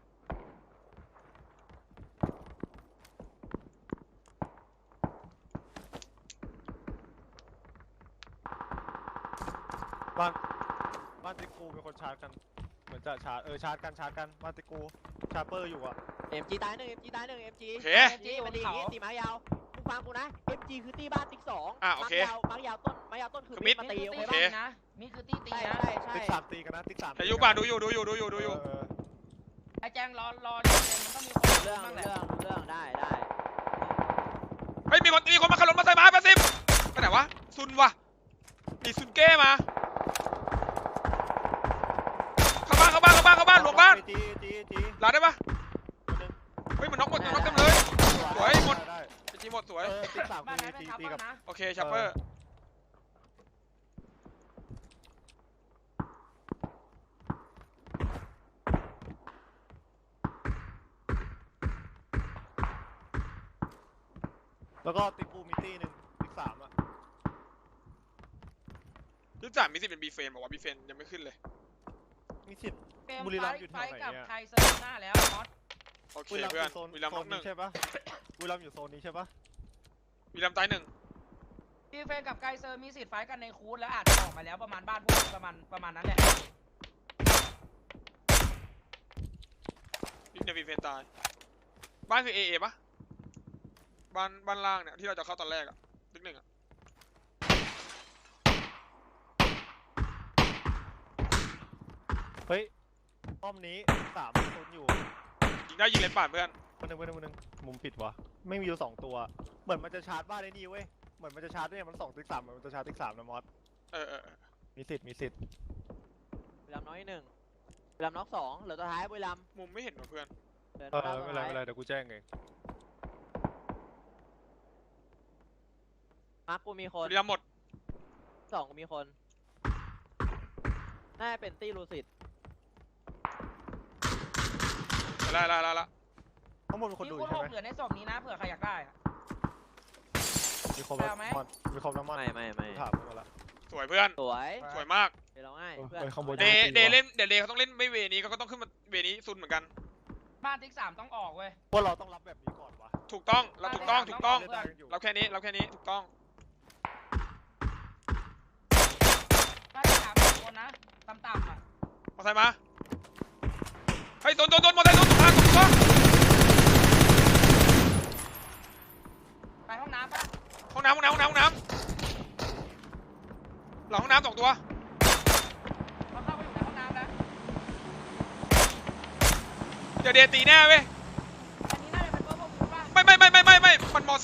[SPEAKER 4] บ้านบ้านติกูเป็นคนชาร์จกันเหมือนจะชาร์จเออชาร์จกันชาร์จกันบ้านติกูชาร์เปอร์อยู่อะ
[SPEAKER 3] เอ็มจีตายหนึ่งเอ็มจีตายหนึ่งเอ็มจี
[SPEAKER 1] โอเค
[SPEAKER 3] นี่มันดีอย่างงี้ตีไม้ยาวมึงฟังกูนะเอ็มจีคือตีบ้านติ๊กสอง
[SPEAKER 1] อ่ะโอเค
[SPEAKER 3] ไม้ยาวไม้ยาวต้นไม้ยาวต้นคือ
[SPEAKER 1] คือมิ
[SPEAKER 3] มิ
[SPEAKER 1] ด
[SPEAKER 3] ดมา
[SPEAKER 2] ตี
[SPEAKER 3] ตี
[SPEAKER 2] โอ
[SPEAKER 3] โอ
[SPEAKER 2] เค
[SPEAKER 3] เค
[SPEAKER 1] โอ
[SPEAKER 3] ป่ะ
[SPEAKER 2] นะมีคือตีตี
[SPEAKER 3] ใช่
[SPEAKER 2] นะ
[SPEAKER 3] ใช่ใช่
[SPEAKER 4] ติ๊กสามตีกันนะติ๊กสาม
[SPEAKER 1] แต่อยู่ป่ะดูอยู่ดูอยู่ดูอยู่ดูอยู่
[SPEAKER 4] เออ
[SPEAKER 2] ไอ้แจงรอรอเนี่ยมันต้องมีคน
[SPEAKER 3] เรื่อง
[SPEAKER 2] บ้างแห
[SPEAKER 3] เรื่
[SPEAKER 2] ละ
[SPEAKER 3] องเรื่องได้ได้
[SPEAKER 1] เฮ้ยมีคนมีคนมาขับรถมาใส่ไม้แปดสิบไปไหนวะซุนวะมีซุนเก้มาเข้าบ้านเข้าบ้านเข้าบ้านเข้าบ้านหลวงบ้าน
[SPEAKER 4] จีจีจี
[SPEAKER 1] ลาได้ปะ
[SPEAKER 4] คนหนึ่ง
[SPEAKER 1] เฮ้ยมันน็อกหมดมันน็อกเต็มเลย สวยหมด
[SPEAKER 4] ได้
[SPEAKER 1] ไอจีหมดสวย
[SPEAKER 4] เออติ๊กสาม
[SPEAKER 2] บ้าน
[SPEAKER 4] ตี
[SPEAKER 2] นั้นเป็น
[SPEAKER 4] ตี
[SPEAKER 2] ทับ
[SPEAKER 4] ตีกับ
[SPEAKER 2] นะ
[SPEAKER 1] โอเคชัปเปอร์
[SPEAKER 4] แล้วก็ติ๊กกูมิตี้หนึ่งติ๊กสามอะ
[SPEAKER 1] ที่จ่ามีสิทธิ์เป็นบีเฟนบอกว่าบีเฟนยังไม่ขึ้นเลย
[SPEAKER 4] มีสิทธิ์
[SPEAKER 2] เกม
[SPEAKER 4] บุรี
[SPEAKER 2] ไฟ
[SPEAKER 4] รัมย์อยู่แถ
[SPEAKER 2] ไฟ
[SPEAKER 4] วไหน
[SPEAKER 2] กับ
[SPEAKER 4] เนี่ย
[SPEAKER 2] ไทยเซอร์หน้าแล้วมอส
[SPEAKER 1] โอเค
[SPEAKER 4] บุรีรัมย์
[SPEAKER 1] เพื่
[SPEAKER 4] อ
[SPEAKER 1] อน
[SPEAKER 4] ยู่โซน
[SPEAKER 1] วีรัม
[SPEAKER 4] โซ
[SPEAKER 1] น็อน กหนึ่
[SPEAKER 4] นี้
[SPEAKER 1] ง
[SPEAKER 4] ใช่ปะบุรีรัมย์อยู่โซนนี้ใช่ปะ
[SPEAKER 1] วีรัมตายหนึ่ง
[SPEAKER 2] พี่เฟนกับไกเซอร์มีสิทธิ์ไฟกันในคูดแล้วอาจจะออกมาแล้วประมาณบ้านพวกมึงประมาณประมาณนั้นแหละ
[SPEAKER 1] ยิงในบีเฟนตายบ้านคือเอเอปะบ้านบ้านล่างเนี่ยที่เราจะเข้าตอนแรกอะติ๊กหนึ่งอะ
[SPEAKER 4] เฮ้ยป้อมนี้สามโซนอยู่
[SPEAKER 1] ยิงได้ยิงเลนป่านเพื่อน
[SPEAKER 4] คนหนึ่งคนหนึ่งคนหนึ่งมุมปิดวะไม่มีอยู่สองตัว เหมือนมันจะชาร์จบ้านไอ้นี่เว้ยเหมือนมันจะชาร์จด้วยมันสองติ๊กสามเหมือนมันจะชาร์จติ๊กสามนะมอส
[SPEAKER 1] เออเออเออ
[SPEAKER 4] มีสิทธิ์มีสิทธิ์
[SPEAKER 3] บุรีรัมย์น้อยหนึ่งบุรีรัมย์น็อกสองเหลือตัวท้ายบุรีรัมย์
[SPEAKER 1] มุมไม่เห็นว่ะเพื่อน
[SPEAKER 3] เดิน
[SPEAKER 4] เออ
[SPEAKER 3] เข้า
[SPEAKER 4] ไม่
[SPEAKER 3] ตัว
[SPEAKER 4] เป็นไร
[SPEAKER 3] ท้าย
[SPEAKER 4] ไม่เป็นไรเดี๋ยวกูแจ้งเอง
[SPEAKER 3] มาร์คกูมีคน
[SPEAKER 1] วีรัมหมด
[SPEAKER 3] สองกูมีคนน่าจะเป็นตี้ลูซิด
[SPEAKER 1] ไล่ไล่ไล่ละ
[SPEAKER 4] ข้างบนมีคน
[SPEAKER 2] มี
[SPEAKER 4] ดู
[SPEAKER 2] คูด
[SPEAKER 4] ใช่
[SPEAKER 2] ห
[SPEAKER 4] ไหม
[SPEAKER 2] กเหลือในศพนี้นะเผื่อใครอยากได้อะ
[SPEAKER 4] มีครบแล้ว
[SPEAKER 2] เอาไหม
[SPEAKER 4] มอนมีครบแล้วมอน
[SPEAKER 3] ไม่ไม่ไม่
[SPEAKER 4] กูถามมาแล้ว
[SPEAKER 1] สวยเพื่อน
[SPEAKER 3] สวย
[SPEAKER 1] สวยมาก
[SPEAKER 3] เดี๋ยวเราง่าย
[SPEAKER 4] เออ
[SPEAKER 3] เพื่อน
[SPEAKER 4] เออข้างบน
[SPEAKER 1] เดย์เดย์เล่นเดย์เดย์เขาต้องเล่นไม่เวนี้ก็ต้องขึ้นมาเวนี้ซุนเหมือนกัน
[SPEAKER 2] บ้านติ๊กสามต้องออกเว้ย
[SPEAKER 4] ว่าเราต้องรับแบบนี้ก่อนวะ
[SPEAKER 1] ถูกต้องเราถูกต้องถูกต้อง
[SPEAKER 4] เล่นได้กันอยู่
[SPEAKER 1] เราแค่นี้เราแค่นี้ถูกต้อง
[SPEAKER 2] บ้านติ๊กสามสองคนนะต่ำๆอ่ะ
[SPEAKER 1] มอไซค์มาเฮ้ยโดนโดนโดนมอไซค์โดนถูกทางถูกต้อง
[SPEAKER 2] ไปห้องน้ำปะ
[SPEAKER 1] ห้องน้ำห้องน้ำห้องน้ำห้องน้ำหลังห้องน้ำสองตัว
[SPEAKER 2] เราเข้าไปอยู่ในห้องน้ำแล้ว
[SPEAKER 1] เดี๋ยวเดย์ตีแน่เว้ย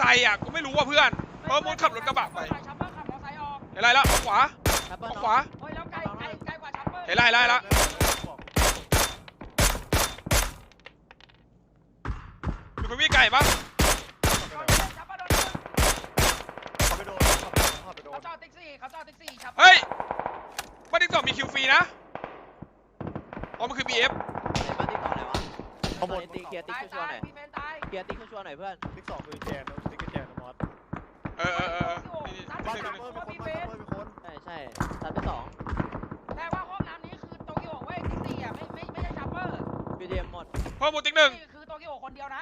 [SPEAKER 1] ค์อ่ะกูไม่รู้ว่าเพื่อนเพราะมุดขับรถกระบะไป
[SPEAKER 2] ชัปเปอร์ขับมอเตอร์ไซค์ออก
[SPEAKER 1] เห็นไรแล้วขวา
[SPEAKER 3] ชัปเปอร์
[SPEAKER 1] ขวา
[SPEAKER 2] เฮ้ยแล้วไกลไกลไกลกว่าชัปเปอร์
[SPEAKER 1] เห็นไรไรแล้วอยู่กับพี่ไก่ปะ
[SPEAKER 2] ชัปเปอร์โดน
[SPEAKER 4] เขาไปโดนเขาไปโดนเขาไปโด
[SPEAKER 2] เขา
[SPEAKER 4] น
[SPEAKER 2] จอดติ๊กซี่เขาจอดติ๊กซี่ชัปเปอร์
[SPEAKER 1] เฮ้ยบ้านที่สองมีคิวฟรีนะอ๋อมันคือ บี เอฟ
[SPEAKER 3] เห็นบ้านที่สองไหนวะ
[SPEAKER 4] ข้างบน
[SPEAKER 3] ตีเคลียร์ติ๊ก
[SPEAKER 2] ตาย
[SPEAKER 3] ชัว
[SPEAKER 2] ตา
[SPEAKER 3] ร์
[SPEAKER 2] ย
[SPEAKER 3] หน่อย
[SPEAKER 2] พี่เฟนตาย
[SPEAKER 3] เคลียร์ติ๊กชัวร์หน่อยเพื่อน
[SPEAKER 4] ติ๊กสองคือแจนติ๊กแจนนะมอส
[SPEAKER 1] เออเออเออนี่
[SPEAKER 4] บ้าน
[SPEAKER 1] นี่
[SPEAKER 4] ซั
[SPEAKER 1] นี่
[SPEAKER 4] มเมอร์มีคนบ้านซัมเมอร์มีคน
[SPEAKER 3] ใช่ใช่ซัดไปสอง
[SPEAKER 2] แต่ว่าห้องน้ำนี้คือโตเกียวเว้ยติ๊กซี่อ่ะไม่ไม่ไม่ใช่ชัปเปอร์
[SPEAKER 3] บีดีเอ็มหมด
[SPEAKER 1] เพิ่มมูติ๊กหนึ่ง
[SPEAKER 2] นี่คือโตเกียวคนเดียวนะ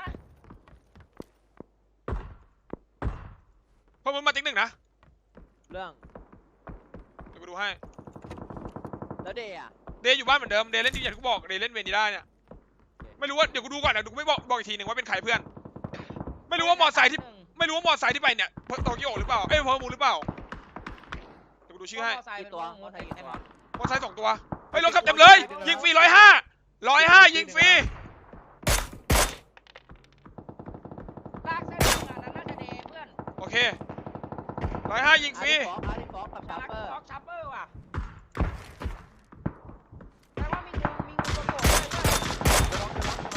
[SPEAKER 1] เพิ่มมูมาติ๊กหนึ่งนะ
[SPEAKER 3] เรื่อง
[SPEAKER 1] เดี๋ยวกูดูให้
[SPEAKER 3] แล้วเดย์อ่ะ
[SPEAKER 1] เดย์อยู่บ้านเหมือนเดิมเดย์เล่นที่อย่างที่กูบอกเดย์เล่นเวนิด้าเนี่ยไม่รู้ว่าเดี๋ยวกูดูก่อนนะเดี๋ยวกูไม่บอกบอกอีกทีหนึ่งว่าเป็นใครเพื่อน ไม่รู้ว่ามอไซค์ที่ไม่รู้ว่ามอไซค์ที่ไปเนี่ยโตเกียวหรือเปล่าเอ้ยเพิ่มมูหรือเปล่าเดี๋ยวกูดูชื่อให้
[SPEAKER 2] มอเตอร์ไซค์
[SPEAKER 3] กี่
[SPEAKER 2] เป็น
[SPEAKER 3] ตัว
[SPEAKER 2] วง
[SPEAKER 3] มอ
[SPEAKER 2] งู
[SPEAKER 3] ไซค์
[SPEAKER 2] ติด
[SPEAKER 3] กี่
[SPEAKER 2] ไอ้
[SPEAKER 3] ตัว
[SPEAKER 2] มอส
[SPEAKER 1] มอไซค์สองตัวเฮ้ยรถขับเต็มเลยยิงฟรีร้อยห้าร้อยห้ายิงฟรี
[SPEAKER 2] ลากเส้นทางนั้นน่าจะเดย์เพื่อน
[SPEAKER 1] โอเคร้อยห้ายิงฟรี
[SPEAKER 3] อาร์ติฟอกกับชัป
[SPEAKER 2] ลัก
[SPEAKER 3] เปอร์
[SPEAKER 2] ฟอกชัปเปอร์ว่ะแต่ว่ามีงูมีงูตัวโตด้วยเพื่อน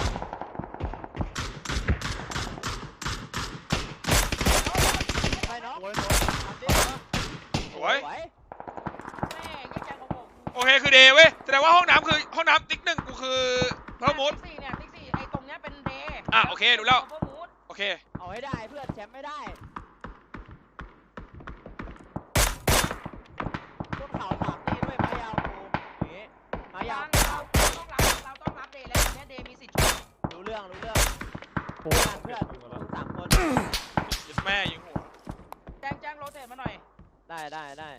[SPEAKER 3] ไปเนาะ
[SPEAKER 4] โอ้ย
[SPEAKER 1] สวย
[SPEAKER 2] แม่ยี่แจงของผม
[SPEAKER 1] โอเคคือเดย์เว้ยแสดงว่าห้องน้ำคือห้องน้ำติ๊กหนึ่งกูคือเพิ่มมูด
[SPEAKER 2] ติ๊กซี่เนี่ยติ๊กซี่ไอ้ตรงเนี้ยเป็นเดย์
[SPEAKER 1] อ่ะโอเครู้แล้ว
[SPEAKER 2] เพิ่มมูด
[SPEAKER 1] โอเค
[SPEAKER 3] เอาให้ได้เพื่อนแชมป์ไม่ได้ต้นข่าวสามตีด้วยไม้ยาวกูอย่างงี้ไม้ยาว
[SPEAKER 2] เราต้องรับเราต้องรับเดย์แล้วเนี่ยเดย์มีสิทธิ์ชน
[SPEAKER 3] รู้เรื่องรู้เรื่อง
[SPEAKER 4] โอ้
[SPEAKER 3] เพื่
[SPEAKER 4] ย
[SPEAKER 3] อนเพื่อนมึงสามคน
[SPEAKER 1] ยิงแม่ยิงหัว
[SPEAKER 2] แจ้งแจ้งโรเตทมาหน่อย
[SPEAKER 3] ได้ได้ได้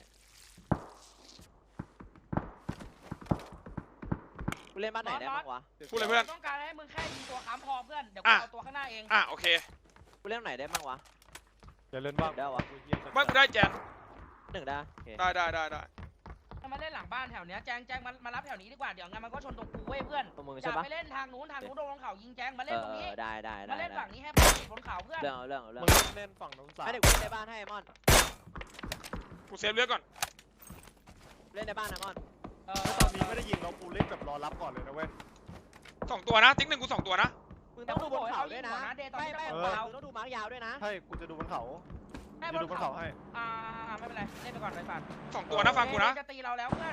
[SPEAKER 3] กูเล่นบ้านไหนได้บ้างวะ
[SPEAKER 1] พูดเลยเพื่อน
[SPEAKER 2] ต้องการให้มึงแค่ยิงตัวค้ำพอเพื่อนเดี๋ยวกู
[SPEAKER 1] อ่ะ
[SPEAKER 2] เอาตัวข้างหน้าเอง
[SPEAKER 1] อ่ะโอเค
[SPEAKER 3] กูเล่นไหนได้บ้างวะ
[SPEAKER 4] อย่าเล่นบ้าง
[SPEAKER 3] ได้วะ
[SPEAKER 1] บ้านกูได้แจน
[SPEAKER 3] หนึ่งได้โอเค
[SPEAKER 1] ได้ได้ได้ได้
[SPEAKER 2] ถ้ามาเล่นหลังบ้านแถวเนี้ยแจ้งแจ้งมามารับแถวนี้ดีกว่าเดี๋ยวงั้นมันก็ชนตรงกูเว้ยเพื่อน
[SPEAKER 3] ตัวมึง
[SPEAKER 2] อ
[SPEAKER 3] ใช่
[SPEAKER 2] ย่า
[SPEAKER 3] ปะ
[SPEAKER 2] ไปเล่นทางนู้นทางนู้นโดนบนเขายิงแจ้งมา
[SPEAKER 3] เอ
[SPEAKER 2] เล่นตรงนี้
[SPEAKER 3] อได้ได้ได้
[SPEAKER 2] มาเล่น
[SPEAKER 3] ได้
[SPEAKER 2] ฝั่งนี้ให้ปกติบนเขาเพื่อน
[SPEAKER 3] เรื่องเอาเรื่องเอาเรื่อง
[SPEAKER 4] มึงเล่นฝั่งน้องสาว
[SPEAKER 3] ไม่เดี๋ยวกูเล่นในบ้านให้มอน
[SPEAKER 1] กูเซฟเลือดก่อน
[SPEAKER 3] เล่นในบ้านนะมอน
[SPEAKER 2] เออ
[SPEAKER 4] ถ้าตอนนี้ไม่ได้ยิงเรากูเล่นแบบรอรับก่อนเลยนะเว้ย
[SPEAKER 1] สองตัวนะติ๊กหนึ่งกูสองตัวนะ
[SPEAKER 3] มึงต้องดูบนเขาด้วยนะ
[SPEAKER 2] เดย์ตอน
[SPEAKER 3] ไม่
[SPEAKER 2] นี้
[SPEAKER 3] ไม่
[SPEAKER 2] ต้
[SPEAKER 3] มึ
[SPEAKER 2] อง
[SPEAKER 3] งต้องดูมาร์กยาวด้วยนะ
[SPEAKER 4] ใช่กูจะดูบนเขา
[SPEAKER 2] ให้
[SPEAKER 4] จะดูบนเขาให้
[SPEAKER 2] อ่าไม่เป็นไรเล่นไปก่อนไปฝัน
[SPEAKER 1] สองตัวนะฟังกูนะ
[SPEAKER 2] จะตีเราแล้วเพื่อน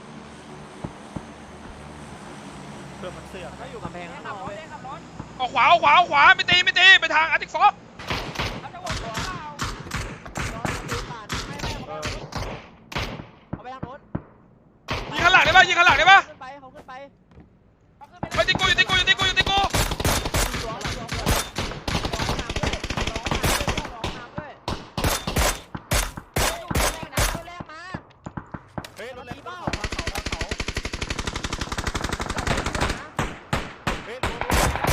[SPEAKER 4] เพื่อนมันเสือก
[SPEAKER 3] เขาอยู่กำแพง
[SPEAKER 2] เล่
[SPEAKER 3] ข้าน งน
[SPEAKER 2] ขั
[SPEAKER 3] อบ ก
[SPEAKER 2] รถ
[SPEAKER 3] เว้ย
[SPEAKER 2] เล่นขับรถ
[SPEAKER 1] เอาขวาเอาขวาเอาขวาไม่ตีไม่ตีไปทางอาร์ติกฟอก
[SPEAKER 2] เขาจะวนตัวเปล่า
[SPEAKER 3] น้องตีผ่าน
[SPEAKER 2] ไม่ไม่
[SPEAKER 4] เอ
[SPEAKER 2] เขา
[SPEAKER 4] อ
[SPEAKER 3] เอาไปทางโน้น
[SPEAKER 1] ยิงข้างหลังได้ปะยิงข้างหลังได้ปะ
[SPEAKER 3] ขึ้นไปเขาขึ้นไป
[SPEAKER 2] เขาขึ้นไป
[SPEAKER 1] ไปติ๊กกูอยู่ติ๊กกูอยู่ติ๊กกูอยู่ติ๊กกู
[SPEAKER 3] ร้องร้องร้องร้องร้องน้ำด้วยร้องน้ำด้วยอยู่แรงนะแรงมา
[SPEAKER 4] เฮ้ยรถเล่นเขาทางเขาทางเขาเฮ้ยดู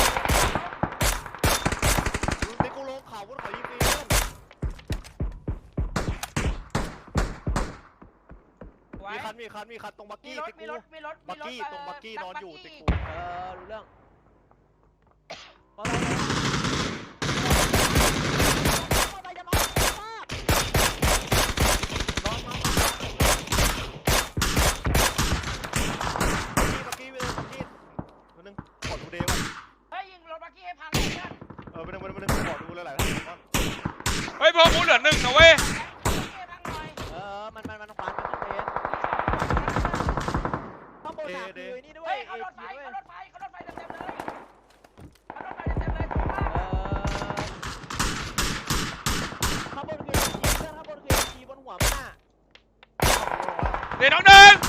[SPEAKER 4] ดูติ๊กกูลงเขาบนเขายิงฟรีเพื่อน
[SPEAKER 2] ไว้
[SPEAKER 4] มีคันมีคันมีคันตรงบัก
[SPEAKER 2] มี
[SPEAKER 4] กี้
[SPEAKER 2] รถ
[SPEAKER 4] ติ๊ก
[SPEAKER 2] มี
[SPEAKER 4] กู
[SPEAKER 2] รถมีรถ
[SPEAKER 4] บัก
[SPEAKER 2] มีรถ
[SPEAKER 4] กี้ตรงบักกี้นอนอยู่ติ๊กกู
[SPEAKER 3] เออรู้เรื่องมอไซค์จะมาจะมา
[SPEAKER 4] นอนมาบักกี้บักกี้ไปเลยบักกี้ตัวนึงขอดูเดย์ว่ะ
[SPEAKER 2] เฮ้ยยิงรถบักกี้ให้พังเลยเพื่อน
[SPEAKER 4] เออไปนึงไปนึงไปนึงขอดูเลยหลายท่านก่อน
[SPEAKER 1] เฮ้ยเพิ่มมูดเหลือหนึ่งนะเว้ย
[SPEAKER 2] ให้พังหน่อย
[SPEAKER 3] เออมันมันมันควันมันขึ้นเองข้างบนหนักคือนี่ด้วย
[SPEAKER 2] เฮ้ยเขารถไฟเขารถไฟเขารถไฟเต็มๆเลยเขารถไฟเต็มๆเลยตรงมาก
[SPEAKER 3] เออข้างบนคือจีเพื่อนข้างบนคือจีบนหัวมันน่ะ
[SPEAKER 1] เดี๋ยวน้องหนึ่ง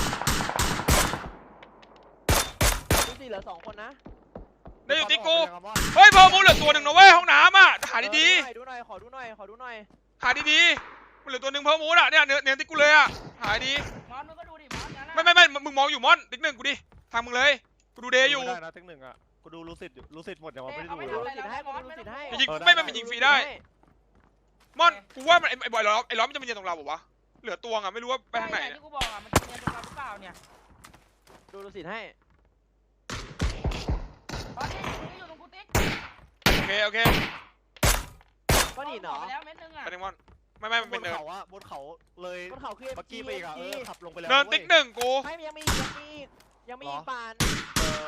[SPEAKER 3] ดูสิเหลือสองคนนะ
[SPEAKER 1] ได้อยู่ติ๊กกูเฮ้ยเพิ่มมูดเหลือตัวหนึ่งนะเว้ยห้องน้ำอ่ะหาดี
[SPEAKER 3] ดูหน่อยขอดูหน่อยขอดูหน่อย
[SPEAKER 1] ๆหาดีๆมันเหลือตัวหนึ่งเพิ่มมูดอ่ะเนี่ยเนื้อเนื้อติ๊กกูเลยอ่ะหาดี
[SPEAKER 2] มอนมึงก็ดูดิมอนงั้น
[SPEAKER 1] ไม่ไม่ไม่มึงมองอยู่มอนติ๊กหนึ่งกูดิทางมึงเลยกูดูเดย์อยู่
[SPEAKER 4] ไม่ได้นะติ๊กหนึ่งอ่ะกูดูรู้สิทธิ์รู้สิทธิ์หมดอย่างว่าไม่ได้ดู
[SPEAKER 3] กู
[SPEAKER 4] เล
[SPEAKER 3] ดู
[SPEAKER 4] ย
[SPEAKER 3] สิทธิ์ให้กูดูสิทธิ์ให้
[SPEAKER 1] ยิงไม่ไม่มันยิงฟรีได้มอนกูว่ามันไอ้ไอ้บอยล้อมไอ้ล้อมมันจะมาเยืนตรงเราบอกว่าวะเหลือตัวอ่ะไม่รู้ว่าไปทางไหน
[SPEAKER 2] ที่กูบอกอ่ะมันจะเรียนตรงเราหรือเปล่าเนี่ย
[SPEAKER 3] ดูดูสิทธิ์ให้
[SPEAKER 2] ตอนนี้อยู่ตรงกูติ๊ก
[SPEAKER 1] โอเคโอเค
[SPEAKER 3] ไปก้อนหินเหรอ
[SPEAKER 2] ไปแล้วเม็ดนึงอ่ะ
[SPEAKER 1] ไปหนึ่งมอนไม่ไม่มัน
[SPEAKER 4] บ
[SPEAKER 1] เป็น
[SPEAKER 4] น
[SPEAKER 1] เนิน
[SPEAKER 4] เขาอะบนเขาเลย
[SPEAKER 3] บนเขาคือ
[SPEAKER 4] เมื่อกี้ไปอีกอะเออขับลงไปแล้ว
[SPEAKER 1] เนิน
[SPEAKER 4] ว้ย
[SPEAKER 1] ติ๊กหนึ่งกู
[SPEAKER 3] ไม่ยังมีอีกยังมีอีกยังมีอีกปาน
[SPEAKER 4] เออ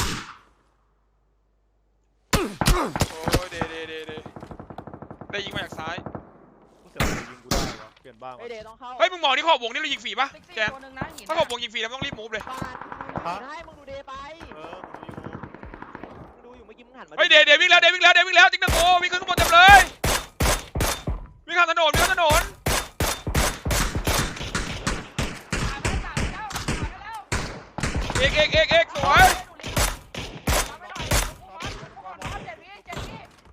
[SPEAKER 1] โอ้ยเดเดเดเดได้ยิงมาจากซ้าย
[SPEAKER 4] กูเสียวจะยิงกูได้วะเปลี่ยนบ้าง
[SPEAKER 3] ไอ
[SPEAKER 4] วะ
[SPEAKER 3] เดย์ต้องเข้า
[SPEAKER 1] เฮ้ยมึงมองที่ขอบวงนี่เรายิงฟรีปะ
[SPEAKER 2] ติ๊กซี่
[SPEAKER 1] แจน
[SPEAKER 2] ตัวหนึงนะหิน
[SPEAKER 1] ถ้าขอบวงยิงฟรีแล้วไม่ต้องรีบมูฟเลย
[SPEAKER 3] ปานมึงดูให้มึงดูเดย์ไป
[SPEAKER 4] เออกูอยู่
[SPEAKER 3] มึงดูอยู่เมื่อกี้มึงหันมา
[SPEAKER 1] เฮ้ยเดเดวิ่งแล้วเดวิ่งแล้วเดวิ่งแล้วติ๊กหนึ่งโอ้วิ่งขึ้นข้างบนเต็มเลยวิ่งข้ามถนนวิ่งข้ามถนน
[SPEAKER 2] ตายไปแล้วตายไปแล้วตายไปแล้ว
[SPEAKER 1] เอกเอกเอกเอกสวย
[SPEAKER 2] ตามไปหน่อยกูบอสกูบอสบอสเจ็ดวิเจ็ดวิ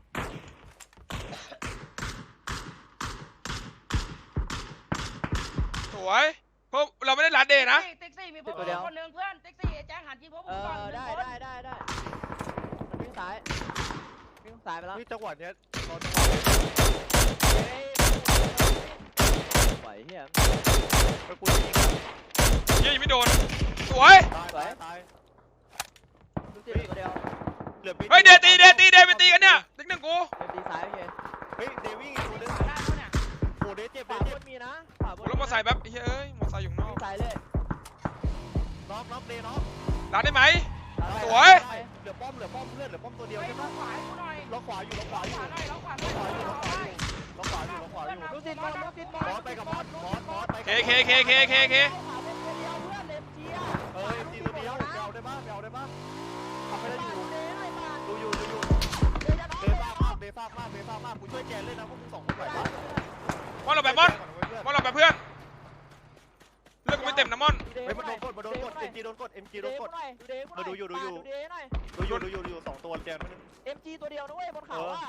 [SPEAKER 1] สวยเพราะเราไม่ได้รัดเดนะ
[SPEAKER 2] ติ๊กซี่มีพวกมึงคนหนึงเพื่อนติ๊กซี่แจ้งหันยิงพวก
[SPEAKER 3] เอ
[SPEAKER 2] มึงก่อน
[SPEAKER 3] อ
[SPEAKER 2] หนึ่ง
[SPEAKER 3] ได้
[SPEAKER 2] คน
[SPEAKER 3] ได้ได้ได้มันวิ่งซ้ายวิ่งซ้ายไปแล้ว
[SPEAKER 4] เฮ้ยจังหวะเนี้ยรอจังหวะ
[SPEAKER 3] เฮ้ยไหวเฮีย
[SPEAKER 4] ไปกูยิงอะ
[SPEAKER 1] เหี้ยยังไม่โดนสวย
[SPEAKER 4] ตายตายตาย
[SPEAKER 3] ลูกศิษย์ตัวเดียว
[SPEAKER 4] เหลือบิ๊ก
[SPEAKER 1] เฮ้ยเดตีเดตีเดไปตีกันเนี่ยติ๊กหนึ่งกู
[SPEAKER 3] เดย์ตีซ้ายโอเค
[SPEAKER 4] เฮ้ยเดวิ่งอีกตัวนึง
[SPEAKER 2] ได้แล้วเนี่ย
[SPEAKER 4] โอ้เดเจ็บ
[SPEAKER 3] ข
[SPEAKER 4] เด
[SPEAKER 3] วาบ
[SPEAKER 4] เจ็บ
[SPEAKER 3] นมีนะขวาบน
[SPEAKER 1] รถมอเตอร์ไซค์แป๊บเฮ้ยมอเตอร์ไซค์อยู่ข้างนอก
[SPEAKER 3] วิ่งซ้ายเลย
[SPEAKER 4] น็อกน็อกเดน็อก
[SPEAKER 1] รัดได้ไหม สวย
[SPEAKER 4] เหลือป้อมเหลือป้อมเพื่อนเหลือป้อมตัวเดียว
[SPEAKER 2] เฮ้ย
[SPEAKER 4] ใช่
[SPEAKER 2] ล็
[SPEAKER 4] ปะ
[SPEAKER 2] อกขวาให้กูหน่อย
[SPEAKER 4] ล็อกขวาอยู่ล็อกขวาอยู่
[SPEAKER 2] ขวาหน่อยล็อกขวาห
[SPEAKER 4] ล็
[SPEAKER 2] น่
[SPEAKER 4] อ
[SPEAKER 2] อก ย
[SPEAKER 4] ขวาอยู่ล็อกขวาอยู่ล็อกขวาอยู่ล็อกขวาอยู่
[SPEAKER 3] ลูกศิษย์บอลลูกศิษย์บอล
[SPEAKER 4] มอสไปกับมอสมอสมอสไป
[SPEAKER 1] เค
[SPEAKER 4] กับ
[SPEAKER 1] เคเคเคเคเค
[SPEAKER 3] ขวาเป็นตัวเดียวเพื่อนเล็บเชียร์
[SPEAKER 4] เอ้ยตีตัวเดียวไปเอาได้ปะไปเอาได้ปะทำไม่ได้อยู่
[SPEAKER 3] เดย์หน่อยปาน
[SPEAKER 4] ดูอยู่ดูอยู่
[SPEAKER 3] เดย์จะน้อง
[SPEAKER 4] เด
[SPEAKER 3] เดย์
[SPEAKER 4] ซ่ามากเดซ่ามากเดซ่ามากกูช่วยแกเล่นนะพวกมึงสองคนไหวปะ
[SPEAKER 1] มอนเราไปมอนมอนเราไปเพื่อนเลือกกูไม่เต็มนะมอน
[SPEAKER 4] เฮ้ยมันโดนกดมันโดนกดเอ็มจีโดนกดเอ็มจีโดนกด
[SPEAKER 3] ดูเดย์หน่อยดูเดย์หน่อย
[SPEAKER 4] มาดูอยู่ดูอยู่
[SPEAKER 3] ดูเดย์หน่อย
[SPEAKER 4] ดูอยู่ดูอยู่ดูอยู่สองตัวแจนมัน
[SPEAKER 3] เอ็มจีตัวเดียวนะเว้ยบนเขาอ่ะ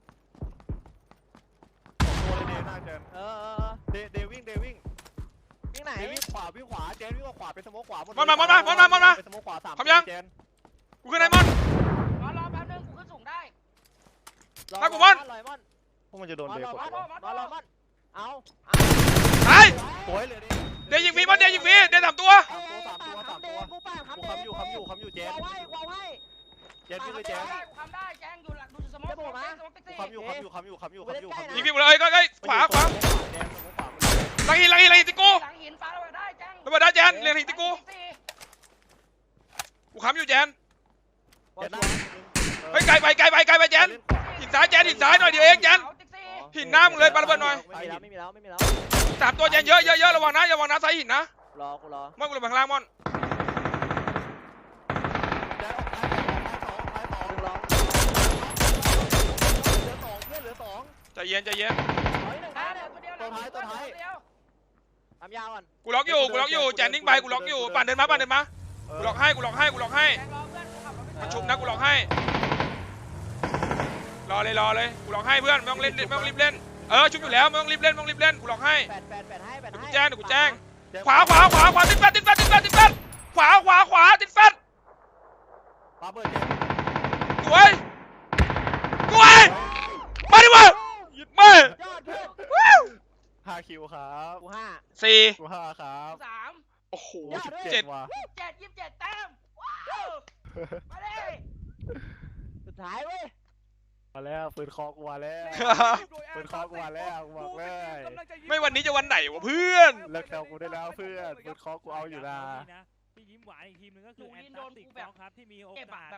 [SPEAKER 4] สองตัวเลยเดหน้าแจน
[SPEAKER 3] เออเออเออ
[SPEAKER 4] เดเดวิ่งเดวิ่ง
[SPEAKER 3] วิ่งไหน
[SPEAKER 4] เดวิ่งขวาวิ่งขวาแจนวิ่งขวาเป็นสโมกขวาหมด
[SPEAKER 1] มอนมามอนมามอนมามอนมา
[SPEAKER 4] เป็นสโมกขวาสาม
[SPEAKER 1] พร้อมยัง
[SPEAKER 4] แจน
[SPEAKER 1] กูขึ้นไอ้มอน
[SPEAKER 2] รอรอแป๊บนึงกูขึ้นสูงได้
[SPEAKER 1] มากูบอล
[SPEAKER 3] ลอยมอน
[SPEAKER 4] พวกมันจะโดน
[SPEAKER 3] มอน
[SPEAKER 4] เด
[SPEAKER 3] ลอย
[SPEAKER 4] กด
[SPEAKER 3] มอน
[SPEAKER 4] วะ
[SPEAKER 3] มอนลอยมอนเอาเอา
[SPEAKER 1] ตาย
[SPEAKER 4] โอ้ยเลยเด
[SPEAKER 1] เดี๋ยวยิงฟรีมอนเดี๋ยวยิงฟรีเดี๋ยวสามตัว
[SPEAKER 4] สามตัวสามตัวสามตัว
[SPEAKER 3] กูป่า
[SPEAKER 4] กู
[SPEAKER 3] คำเด
[SPEAKER 4] คำอยู่คำอยู่คำอยู่แจน
[SPEAKER 3] วาวให้วาวให้
[SPEAKER 4] แจนวิ่งเลยแจน
[SPEAKER 2] ได้กูทำได้แจ้งอยู่หลังดูสมองสมองติ๊กซี่
[SPEAKER 4] คำอยู่คำอยู่คำอยู่คำอยู่คำอยู่คำอ
[SPEAKER 1] ยิ
[SPEAKER 4] ยู่
[SPEAKER 1] งฟรีหมดเลยก็ก็ขวาขวา
[SPEAKER 4] แจนสโมกขวา
[SPEAKER 1] หลังหินหลังหินหลังหินติกู
[SPEAKER 2] หลังหินฟ้าระเบิดได้แจ้ง
[SPEAKER 1] ระเบิดได้แจนเรียงหินติกูกูค้ำอยู่แจน
[SPEAKER 4] แจนหน้า
[SPEAKER 1] เฮ้ยไกลไปไกลไปไกลไปแจนหินซ้ายแจนหินซ้ายหน่อยเดียวเองแจน
[SPEAKER 2] ติ๊กซี่
[SPEAKER 1] หินหน้ามึงเลยปาระเบิดหน่อย
[SPEAKER 3] ไม่มีแล้วไม่มีแล้วไม่มีแล้ว
[SPEAKER 1] สามตัวแจนเยอะเยอะเยอะระวังนะระวังนะซ้ายหินนะ
[SPEAKER 3] รอกูรอ
[SPEAKER 1] มอนกูลงไปข้างล่างมอน
[SPEAKER 4] แจนออกซ้ายสองซ้ายสอง
[SPEAKER 3] ดึงรอ
[SPEAKER 4] เหลือสองเพื่อนเหลือสอง
[SPEAKER 1] ใจเย็นใจเย็น
[SPEAKER 3] ถอยหนึ่ง
[SPEAKER 2] ได้
[SPEAKER 3] นะ
[SPEAKER 2] เดี๋ยวตัวเดียวตัวเดียว
[SPEAKER 3] ทำยาวก่อน
[SPEAKER 1] กูล็อกอยู่กูล็อกอยู่แจนนิ่งไปกูล็อกอยู่ปั่นเดินมาปั่นเดินมากูล็อกให้กูล็อกให้กูล็อกให้
[SPEAKER 2] แจ้งรอเพื่อนกูขับรถไป
[SPEAKER 1] มันชุบนะกูล็อกให้รอเลยรอเลยกูล็อกให้เพื่อนไม่ต้องเล่นไม่ต้องรีบเล่นเออชุบอยู่แล้วไม่ต้องรีบเล่นไม่ต้องรีบเล่นกูล็อกให้
[SPEAKER 3] แปดแปดแปดให้แปด
[SPEAKER 1] เดี๋ยว
[SPEAKER 3] ให้
[SPEAKER 1] กูแจ้งเดี๋ยวกูแจ้งขวาขวาขวาขวาติดแฟตติดแฟตติดแฟตติดแฟตขวาขวาขวาติดแฟต
[SPEAKER 4] ปาเบิร์ดแจน
[SPEAKER 1] สวยสวยมาดิวะหยุดไม่
[SPEAKER 3] ยอดเพื่อน
[SPEAKER 4] ห้าคิวครับ
[SPEAKER 3] กูห้า
[SPEAKER 1] สี่
[SPEAKER 4] กูห้าครับ
[SPEAKER 2] สาม
[SPEAKER 1] โอ้โห
[SPEAKER 3] ยอด
[SPEAKER 1] สิบ
[SPEAKER 3] ด้วย
[SPEAKER 1] เจ็ด
[SPEAKER 4] ว่ะ
[SPEAKER 2] เจ็ดยี่สิบเจ็ดแต้มว้าวมาดิ
[SPEAKER 3] สุดท้ายเว้ย
[SPEAKER 4] มาแล้วปืนคอกูมาแล้วปืนคอกูมาแล้วกูบอกเลย
[SPEAKER 1] ไม่วันนี้จะวันไหนวะเพื่อน
[SPEAKER 4] เลิกแซวกูได้แล้วเพื่อนปืนคอกูเอาอยู่นะ
[SPEAKER 5] ที่ยิ้มหวานอีกทีมหนึงก็คือแอนตาร์กติกครับที่มีโอกาส